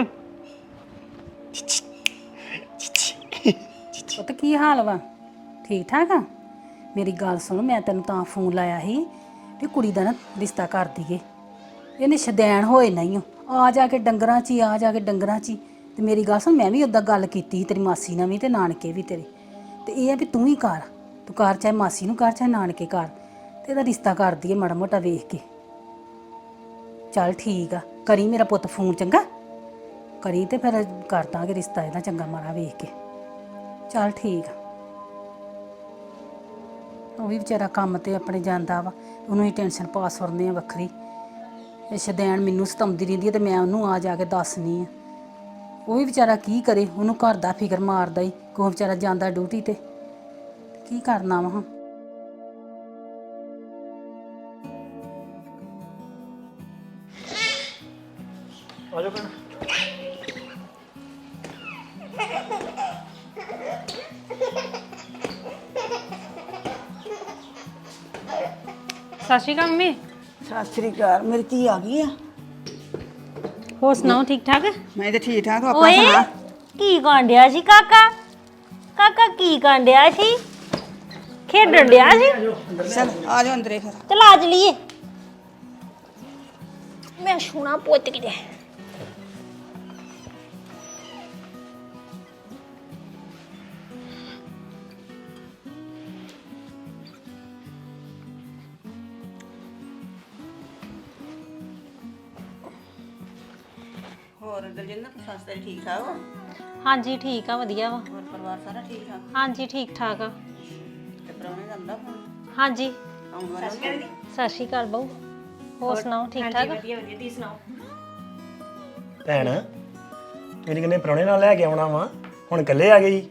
ਪੁੱਤ ਕੀ ਹਾਲ ਵਾ? ਠੀਕ ਠਾਕ ਆ? ਮੇਰੀ ਗੱਲ ਸੁਣ, ਮੈਂ ਤੈਨੂੰ ਤਾਂ ਫੋਨ ਲਾਇਆ ਸੀ ਵੀ ਕੁੜੀ ਦਾ ਨਾ ਰਿਸ਼ਤਾ ਕਰ ਦਈਏ। ਇਹਨੇ ਸ਼ਦੈਣ ਹੋਏ ਨਹੀਂ ਆ ਜਾ ਕੇ ਡੰਗਰਾਂ 'ਚ ਹੀ, ਆ ਜਾ ਕੇ ਡੰਗਰਾਂ 'ਚ ਹੀ। ਤੇ ਮੇਰੀ ਗੱਲ ਸੁਣ, ਮੈਂ ਵੀ ਉੱਦਾਂ ਗੱਲ ਕੀਤੀ ਸੀ ਤੇਰੀ ਮਾਸੀ ਨਾਲ ਵੀ ਤੇ ਨਾਨਕੇ ਵੀ ਤੇਰੇ, ਤੇ ਇਹ ਆ ਵੀ ਤੂੰ ਹੀ ਕਰ, ਤੂੰ ਕਰ, ਚਾਹੇ ਮਾਸੀ ਨੂੰ ਕਰ ਚਾਹੇ ਨਾਨਕੇ ਕਰ, ਤੇ ਇਹਦਾ ਰਿਸ਼ਤਾ ਕਰ ਦਈਏ ਮਾੜਾ ਮੋਟਾ ਵੇਖ ਕੇ। ਚੱਲ ਠੀਕ ਆ, ਕਰੀ ਮੇਰਾ ਪੁੱਤ ਫੋਨ, ਚੰਗਾ ਕਰੀ, ਤੇ ਫਿਰ ਕਰ ਦਾਂਗੇ ਰਿਸ਼ਤਾ ਇਹਦਾ ਚੰਗਾ ਮਾੜਾ ਵੇਖ ਕੇ। ਚੱਲ ਠੀਕ ਆ। ਉਹ ਵੀ ਵਿਚਾਰਾ ਕੰਮ ਤੇ ਆਪਣੇ ਜਾਂਦਾ ਵਾ, ਉਹਨੂੰ ਹੀ ਟੈਨਸ਼ਨ ਪਾਸ ਕਰਨੇ ਆ ਵੱਖਰੀ। ਇਹ ਸ਼ਦੈਣ ਮੈਨੂੰ ਸਤਾਉਂਦੀ ਰਹਿੰਦੀ ਹੈ ਤੇ ਮੈਂ ਉਹਨੂੰ ਆ ਜਾ ਕੇ ਦੱਸਣੀ ਆ। ਉਹ ਵੀ ਵਿਚਾਰਾ ਕੀ ਕਰੇ, ਉਹਨੂੰ ਘਰ ਦਾ ਫਿਕਰ ਮਾਰਦਾ ਹੀ, ਕੋਈ ਵਿਚਾਰਾ ਜਾਂਦਾ ਡਿਊਟੀ ਤੇ, ਕੀ ਕਰਨਾ ਵਾ ਹੁਣ। ਆ ਜਾ ਭੈਣ। ਸਤਿ ਸ਼੍ਰੀ ਅਕਾਲ ਮੰਮੀ। ਸਤਿ ਸ੍ਰੀ ਅਕਾਲ, ਮੇਰੀ ਧੀ ਆ ਗਈ ਆ। ਹੋਰ ਸੁਣਾਓ ਠੀਕ ਠਾਕ? ਮੈਂ ਤੇ ਠੀਕ ਠਾਕ, ਤੂੰ ਆਪਣਾ ਓਏ ਸੁਣਾ। ਕੀ ਕਾਂਡਿਆ ਸੀ ਕਾਕਾ? ਕਾਕਾ ਕੀ ਕਾਂਡਿਆ ਸੀ? ਖੇਡਣ ਡਿਆ ਸੀ? ਚੱਲ ਆ ਜਾ ਅੰਦਰੇ ਫਿਰ। ਚਲ ਆ ਜਲੀਏ। ਮੈਂ ਸੋਨਾ ਪੁੱਤ ਕਿਤੇ। ਹੋਰ ਦਲਜਿੰਦਰ, ਸੱਸ ਤੇਰੀ ਠੀਕ ਠਾਕ ਵਾ? ਹਾਂਜੀ ਠੀਕ ਆ, ਵਧੀਆ ਵਾ। ਹੋਰ ਪਰਿਵਾਰ ਸਾਰਾ ਠੀਕ ਠਾਕ? ਹਾਂਜੀ ਠੀਕ ਠਾਕ ਆ। ਤੇ ਪ੍ਰਾਹੁਣੇ ਦਾ ਆਉਂਦਾ ਫੋਨ? ਹਾਂਜੀ ਆਉਣ ਵਾਲਾ ਵਾ? ਸਤਿ ਸ਼੍ਰੀ ਅਕਾਲ ਬਹੂ। ਹੋਰ ਸੁਣਾਓ ਠੀਕ ਠਾਕ? ਭੈਣ ਤੁਸੀਂ ਕਹਿੰਦੇ ਪ੍ਰਾਹੁਣੇ ਨਾਲ ਲੈ ਕੇ ਆਉਣਾ ਵਾ, ਹੁਣ ਇਕੱਲੇ ਆ ਗਈ?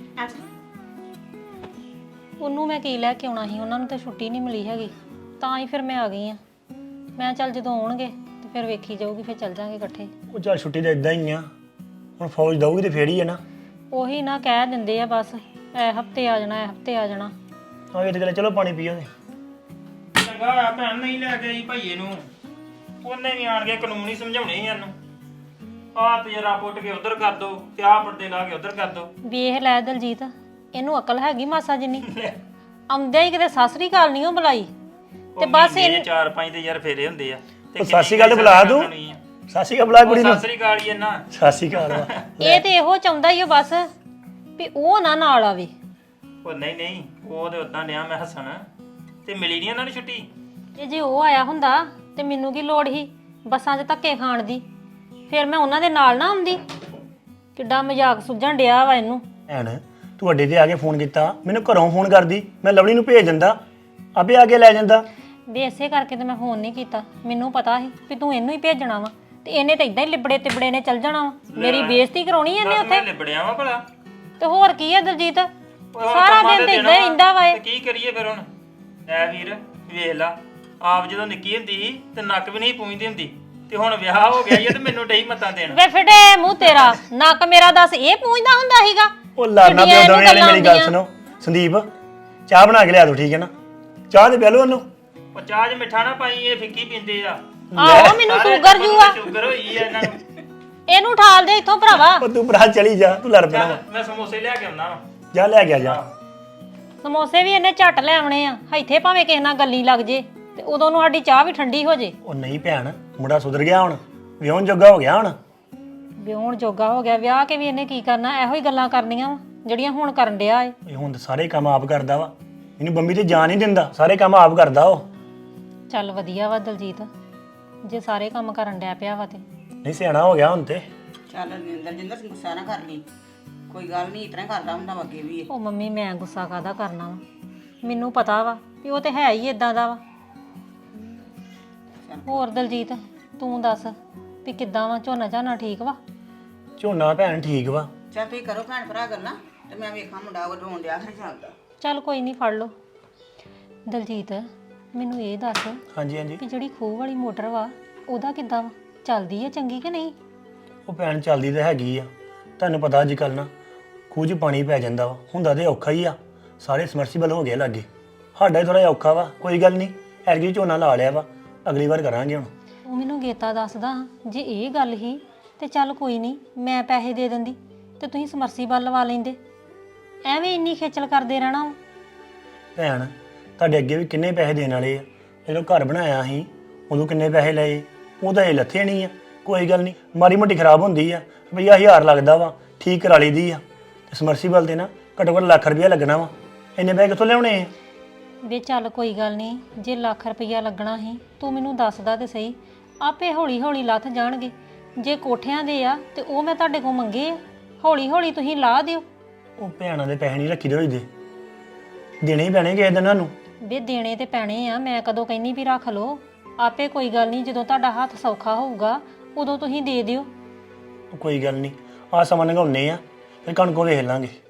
ਉਹਨੂੰ ਮੈਂ ਕੀ ਲੈ ਕੇ ਆਉਣਾ ਸੀ, ਉਹਨਾਂ ਨੂੰ ਤਾਂ ਛੁੱਟੀ ਨਹੀਂ ਮਿਲੀ ਹੈਗੀ, ਤਾਂ ਹੀ ਫਿਰ ਮੈਂ ਆ ਗਈ ਆ। ਮੈਂ ਚੱਲ ਜਦੋਂ ਆਉਣਗੇ ਤੇ ਫਿਰ ਵੇਖੀ ਜਾਊਗੀ, ਫਿਰ ਚੱਲ ਜਾਾਂਗੇ ਇਕੱਠੇ। ਉਹ ਚੱਲ ਛੁੱਟੀ ਤਾਂ ਇਦਾਂ ਹੀ ਆ, ਹੁਣ ਫੌਜ ਦਊਗੀ ਤੇ ਫੇਰ ਹੀ ਹੈ ਨਾ। ਉਹੀ ਨਾ ਕਹਿ ਦਿੰਦੇ ਆ ਬਸ, ਐ ਹਫਤੇ ਆ ਜਾਣਾ, ਐ ਹਫਤੇ ਆ ਜਾਣਾ। ਆ ਇਹ ਤੇ ਗੱਲ, ਚਲੋ ਪਾਣੀ ਪੀਓ ਤੇ। ਚੰਗਾ ਹੋਇਆ ਭੈਣ ਨਹੀਂ ਲੈ ਕੇ ਆਈ ਭਾਈਏ ਨੂੰ, ਉਹਨੇ ਵੀ ਆਣ ਕੇ ਕਾਨੂੰਨ ਹੀ ਸਮਝਾਉਣੇ ਸੀ ਇਹਨੂੰ। ਆਹ ਤੇ ਜਰਾ ਪੁੱਟ ਕੇ ਉਧਰ ਕਰ ਦੋ, ਤੇ ਆਹ ਪਰਦੇ ਲਾ ਕੇ ਉਧਰ ਕਰ ਦੋ। ਵੇਖ ਲੈ ਦਲਜੀਤ, ਇਹਨੂੰ ਅਕਲ ਹੈਗੀ ਮਾਸਾ ਜਿੰਨੀ? ਆਉਂਦਿਆਂ ਹੀ ਕਿਤੇ ਸਾਸਰੀ ਕਾਲ ਨਹੀਂ ਉਹ ਬੁਲਾਈ, ਤੇ ਬਸ ਇਹ ਚਾਰ ਪੰਜ ਤੇ ਯਾਰ ਫੇਰੇ ਹੁੰਦੇ ਆ। ਉਹ ਸਾਸੀ ਗੱਲ ਤੇ ਬੁਲਾ ਦੂੰ, ਸਾਸੀ ਕਾ ਬੁਲਾ ਕੁੜੀ ਨੂੰ। ਸਾਸਰੀ ਕਾਲ ਹੀ ਇਹਨਾਂ ਸਾਸੀ ਕਾਲ ਵਾ। ਇਹ ਤੇ ਇਹੋ ਚਾਹੁੰਦਾ ਹੀ ਉਹ ਬਸ ਵੀ ਉਹ ਨਾ ਨਾਲ ਆਵੇ। ਉਹ ਨਹੀਂ ਨਹੀਂ, ਉਹ ਤੇ ਉਦਾਂ ਡਿਆ ਮੈਂ ਹੱਸਣ, ਤੇ ਮਿਲੀ ਨਹੀਂ ਉਹਨਾਂ ਨੂੰ ਛੁੱਟੀ। ਤੇ ਜੇ ਉਹ ਆਇਆ ਹੁੰਦਾ ਤੇ ਮੈਨੂੰ ਕੀ ਲੋੜ ਸੀ ਬੱਸਾਂ 'ਚ ਧੱਕੇ ਖਾਣ ਦੀ? ਫਿਰ ਮੈਂ ਉਹਨਾਂ ਦੇ ਨਾਲ ਨਾ ਆਉਂਦੀ। ਕਿੱਡਾ ਮਜ਼ਾਕ ਸੁਝਣ ਡਿਆ ਵਾ ਇਹਨੂੰ। ਭੈਣ ਤੂੰ ਅੱਡੇ ਤੇ ਆ ਕੇ ਫੋਨ ਕੀਤਾ, ਮੈਨੂੰ ਘਰੋਂ ਫੋਨ ਕਰਦੀ, ਮੈਂ ਲਵਲੀ ਨੂੰ ਭੇਜ ਦਿੰਦਾ, ਆਪੇ ਆ ਕੇ ਲੈ ਜਾਂਦਾ। ਵੀ ਇਸੇ ਕਰਕੇ ਤੇ ਮੈਂ ਫੋਨ ਨਹੀਂ ਕੀਤਾ। ਮੈਨੂੰ ਪਤਾ ਸੀ ਵੀ ਤੂੰ ਇਹਨੂੰ ਹੀ ਭੇਜਣਾ ਵਾ ਤੇ ਇਹਨੇ ਤਾਂ ਇਦਾਂ ਹੀ ਲਿਬੜੇ ਤਿਬੜੇ ਨੇ ਚੱਲ ਜਾਣਾ ਵਾ। ਮੇਰੀ ਬੇਇੱਜ਼ਤੀ ਕਰਾਉਣੀ ਇਹਨੇ ਉੱਥੇ। ਲਿਬੜਿਆ ਵਾ ਭਲਾ ਤੇ ਹੋਰ ਕੀ ਹੈ ਦਲਜੀਤ, ਸਾਰਾ ਦਿਨ ਤੇ ਇਦਾਂ ਹੀ ਰਹਿੰਦਾ ਵਾ ਇਹ। ਕੀ ਕਰੀਏ ਫਿਰ ਹੁਣ? ਐ ਵੀਰ ਵੇਖ ਲਾ, ਆਪ ਜਦੋਂ ਨਿੱਕੀ ਹੁੰਦੀ ਸੀ ਤੇ ਨੱਕ ਵੀ ਨਹੀਂ ਪੂੰਝਦੀ ਹੁੰਦੀ, ਤੇ ਹੁਣ ਵਿਆਹ ਹੋ ਗਿਆ ਈ ਤੇ ਮੈਨੂੰ ਡਈ ਮਤਾਂ ਦੇਣ। ਵੇ ਫਿਟੇ ਮੂੰਹ ਤੇਰਾ, ਨੱਕ ਮੇਰਾ ਦੱਸ ਇਹ ਪੂੰਝਦਾ ਹੁੰਦਾ ਸੀਗਾ? ਉਹ ਲਾਣਾ ਪਿਓ ਦੋਵੇਂ ਵਾਲੀ ਮੇਰੀ ਗੱਲ ਸੁਣੋ। ਸੰਦੀਪ ਚਾਹ ਬਣਾ ਕੇ ਲਿਆ ਦੋ, ਠੀਕ ਹੈ ਨਾ? ਚਾਹ ਤੇ ਪਿਆ ਲਓ ਉਹਨੂੰ। ਉਹ ਚਾਹ 'ਚ ਮਿੱਠਾ ਨਾ ਪਾਈ, ਇਹ ਫਿੱਕੀ ਪੀਂਦੇ ਆ। ਆਹੋ ਮੈਨੂੰ ਸ਼ੂਗਰ ਜੂ ਆ। ਸ਼ੂਗਰ ਹੋਈ ਆ ਇਹਨਾਂ ਨੂੰ। ਇਹਨੂੰ ਠਾਲ ਦੇ ਇੱਥੋਂ ਭਰਾਵਾ। ਉਹ ਤੂੰ ਭਰਾ ਚਲੀ ਜਾ, ਤੂੰ ਲੜ ਪੈਣਾ ਵਾ। ਮੈਂ ਸਮੋਸੇ ਲਿਆ ਕੇ ਆਉਣਾ ਵਾ। ਜਾ ਲੈ ਗਿਆ ਜਾ। ਸਮੋਸੇ ਵੀ ਇਹਨੇ ਝੱਟ ਲੈ ਆਉਣੇ ਆ, ਇੱਥੇ ਭਾਵੇਂ ਕਿਸੇ ਨਾਲ ਗੱਲੀ ਲੱਗ ਜੇ ਤੇ ਉਦੋਂ ਨੂੰ ਸਾਡੀ ਚਾਹ ਵੀ ਠੰਡੀ ਹੋ ਜੇ। ਉਹ ਨਹੀਂ ਭੈਣ, ਮੁੰਡਾ ਸੁਧਰ ਗਿਆ ਹੁਣ, ਵਿਆਹਣ ਜੋਗਾ ਹੋ ਗਿਆ ਹੁਣ। ਵਿਆਹਣ ਜੋਗਾ ਹੋ ਗਿਆ, ਵਿਆਹ ਕੇ ਵੀ ਇਹਨੇ ਕੀ ਕਰਨਾ? ਇਹੋ ਹੀ ਗੱਲਾਂ ਕਰਨੀਆਂ ਵਾ ਜਿਹੜੀਆਂ ਹੁਣ ਕਰਨ ਡਿਆ ਏ। ਇਹ ਹੁਣ ਤਾਂ ਸਾਰੇ ਕੰਮ ਆਪ ਕਰਦਾ ਵਾ, ਇਹਨੂੰ ਬੰਬੀ ਤੇ ਜਾਣ ਨਹੀਂ ਦਿੰਦਾ, ਸਾਰੇ ਕੰਮ ਆਪ ਕਰਦਾ ਉਹ। ਚੱਲ ਵਧੀਆ ਵਾ ਦਲਜੀਤ, ਜੇ ਸਾਰੇ ਕੰਮ ਕਰਨ ਡਿਆ ਪਿਆ ਵਾ ਤੇ। ਨਹੀਂ ਸਿਆਣਾ ਹੋ ਗਿਆ ਹੁਣ ਤੇ। ਚੱਲ ਦਲਜਿੰਦਰ ਗੁੱਸਾ ਨਾ ਕਰ ਲਈ, ਕੋਈ ਗੱਲ ਨਹੀਂ, ਇਤਨਾ ਕਰਦਾ ਹੁੰਦਾ ਵਾ ਅੱਗੇ ਵੀ ਇਹ। ਉਹ ਮੰਮੀ ਮੈਂ ਗੁੱਸਾ ਕਾਹਦਾ ਕਰਨਾ ਵਾ, ਮੈਨੂੰ ਪਤਾ ਵਾ ਵੀ ਉਹ ਤੇ ਹੈ ਹੀ ਇਦਾਂ ਦਾ ਵਾ। ਹੋਰ ਦਲਜੀਤ ਤੂੰ ਦੱਸ ਵੀ ਕਿੱਦਾਂ ਵਾ? ਝੋਨਾ ਝਾਨਾ ਠੀਕ ਵਾ? ਝੋਨਾ ਭੈਣ ਠੀਕ ਵਾ। ਚੱਲ ਤੁਸੀਂ ਕਰੋ ਭੈਣ ਭਰਾ ਗੱਲਾਂ ਤੇ ਮੈਂ ਵੇਖਾਂ ਮੁੰਡਾ ਉਹ ਰੋਣ ਡਿਆ ਫਿਰ ਚੱਲਦਾ। ਚੱਲ ਕੋਈ ਨਹੀਂ, ਫੜ ਲਓ। ਦਲਜੀਤ ਮੈਨੂੰ ਇਹ ਦੱਸ ਹਾਂਜੀ ਹਾਂਜੀ। ਵੀ ਜਿਹੜੀ ਖੂਹ ਵਾਲੀ ਮੋਟਰ ਵਾ ਉਹਦਾ ਕਿੱਦਾਂ ਵਾ? ਚੱਲਦੀ ਆ ਚੰਗੀ ਕਿ ਨਹੀਂ? ਉਹ ਭੈਣ ਚੱਲਦੀ ਤਾਂ ਹੈਗੀ ਆ, ਤੁਹਾਨੂੰ ਪਤਾ ਅੱਜ ਕੱਲ੍ਹ ਨਾ ਖੂਹ 'ਚ ਪਾਣੀ ਪੈ ਜਾਂਦਾ ਵਾ, ਹੁੰਦਾ ਤੇ ਔਖਾ ਹੀ ਆ। ਸਾਰੇ ਸਮਰਸੀਬਲ ਹੋ ਗਏ ਲਾਗੇ, ਸਾਡਾ ਹੀ ਥੋੜਾ ਜਿਹਾ ਔਖਾ ਵਾ। ਕੋਈ ਗੱਲ ਨਹੀਂ, ਐਤਕੀ ਝੋਨਾ ਲਾ ਲਿਆ ਵਾ, ਅਗਲੀ ਵਾਰ ਕਰਾਂਗੇ ਹੁਣ। ਉਹ ਮੈਨੂੰ ਗੇਤਾ ਦੱਸਦਾ, ਜੇ ਇਹ ਗੱਲ ਹੀ ਤੇ ਚੱਲ ਕੋਈ ਨਹੀਂ, ਮੈਂ ਪੈਸੇ ਦੇ ਦਿੰਦੀ ਤੇ ਤੁਸੀਂ ਸਮਰਸੀਬਲ ਲਵਾ ਲੈਂਦੇ। ਐਵੇਂ ਇੰਨੀ ਖੇਚਲ ਕਰਦੇ ਰਹਿਣਾ ਵਾ। ਭੈਣ ਤੁਹਾਡੇ ਅੱਗੇ ਵੀ ਕਿੰਨੇ ਪੈਸੇ ਦੇਣ ਵਾਲੇ ਆ, ਜਦੋਂ ਘਰ ਬਣਾਇਆ ਸੀ ਉਦੋਂ ਕਿੰਨੇ ਪੈਸੇ ਲਏ, ਉਹ ਤਾਂ ਇਹ ਲੱਥੇ ਨਹੀਂ ਆ। ਕੋਈ ਗੱਲ ਨਹੀਂ, ਮਾੜੀ ਮੋਟੀ ਖਰਾਬ ਹੁੰਦੀ ਆ, ਰੁਪਈਆ ਹਜ਼ਾਰ ਲੱਗਦਾ ਵਾ, ਠੀਕ ਕਰਾ ਲਈਦੀ ਆ। ਤੇ ਸਮਰਸੀਬਲ ਤੇ ਨਾ ਘੱਟੋ ਘੱਟ ਲੱਖ ਰੁਪਈਆ ਲੱਗਣਾ ਵਾ, ਇੰਨੇ ਪੈਸੇ ਕਿੱਥੋਂ ਲਿਆਉਣੇ ਆ? ਵੇ ਚੱਲ ਕੋਈ ਗੱਲ ਨਹੀਂ, ਜੇ ਲੱਖ ਰੁਪਈਆ ਲੱਗਣਾ ਸੀ ਤੂੰ ਮੈਨੂੰ ਦੱਸਦਾ ਤੇ ਸਹੀ, ਆਪੇ ਹੌਲੀ ਹੌਲੀ ਲੱਥ ਜਾਣਗੇ। ਜੇ ਕੋਠਿਆਂ ਦੇ ਆ ਤੇ ਉਹ ਮੈਂ ਤੁਹਾਡੇ ਕੋਲ ਮੰਗੇ ਆ, ਹੌਲੀ ਹੌਲੀ ਤੁਸੀਂ ਲਾ ਦਿਓ। ਉਹ ਭੈਣਾਂ ਦੇ ਪੈਸੇ ਨਹੀਂ ਰੱਖੀ ਦੇ ਹੋਈਦੇ, ਦੇਣੇ ਹੀ ਪੈਣੇ ਕਿਸੇ ਦਿਨ ਸਾਨੂੰ। ਵੇ ਦੇਣੇ ਤੇ ਪੈਣੇ ਆ, ਮੈਂ ਕਦੋਂ ਕਹਿੰਨੀ ਵੀ ਰੱਖ ਲਓ। ਆਪੇ ਕੋਈ ਗੱਲ ਨਹੀਂ, ਜਦੋਂ ਤੁਹਾਡਾ ਹੱਥ ਸੌਖਾ ਹੋਊਗਾ ਉਦੋਂ ਤੁਸੀਂ ਦੇ ਦਿਓ। ਕੋਈ ਗੱਲ ਨਹੀਂ, ਆਹ ਸਮਾਂ ਲੰਘਾਉਂਦੇ ਆ, ਫਿਰ ਕਣਕੋਂ ਵੇਖ ਲਾਂਗੇ।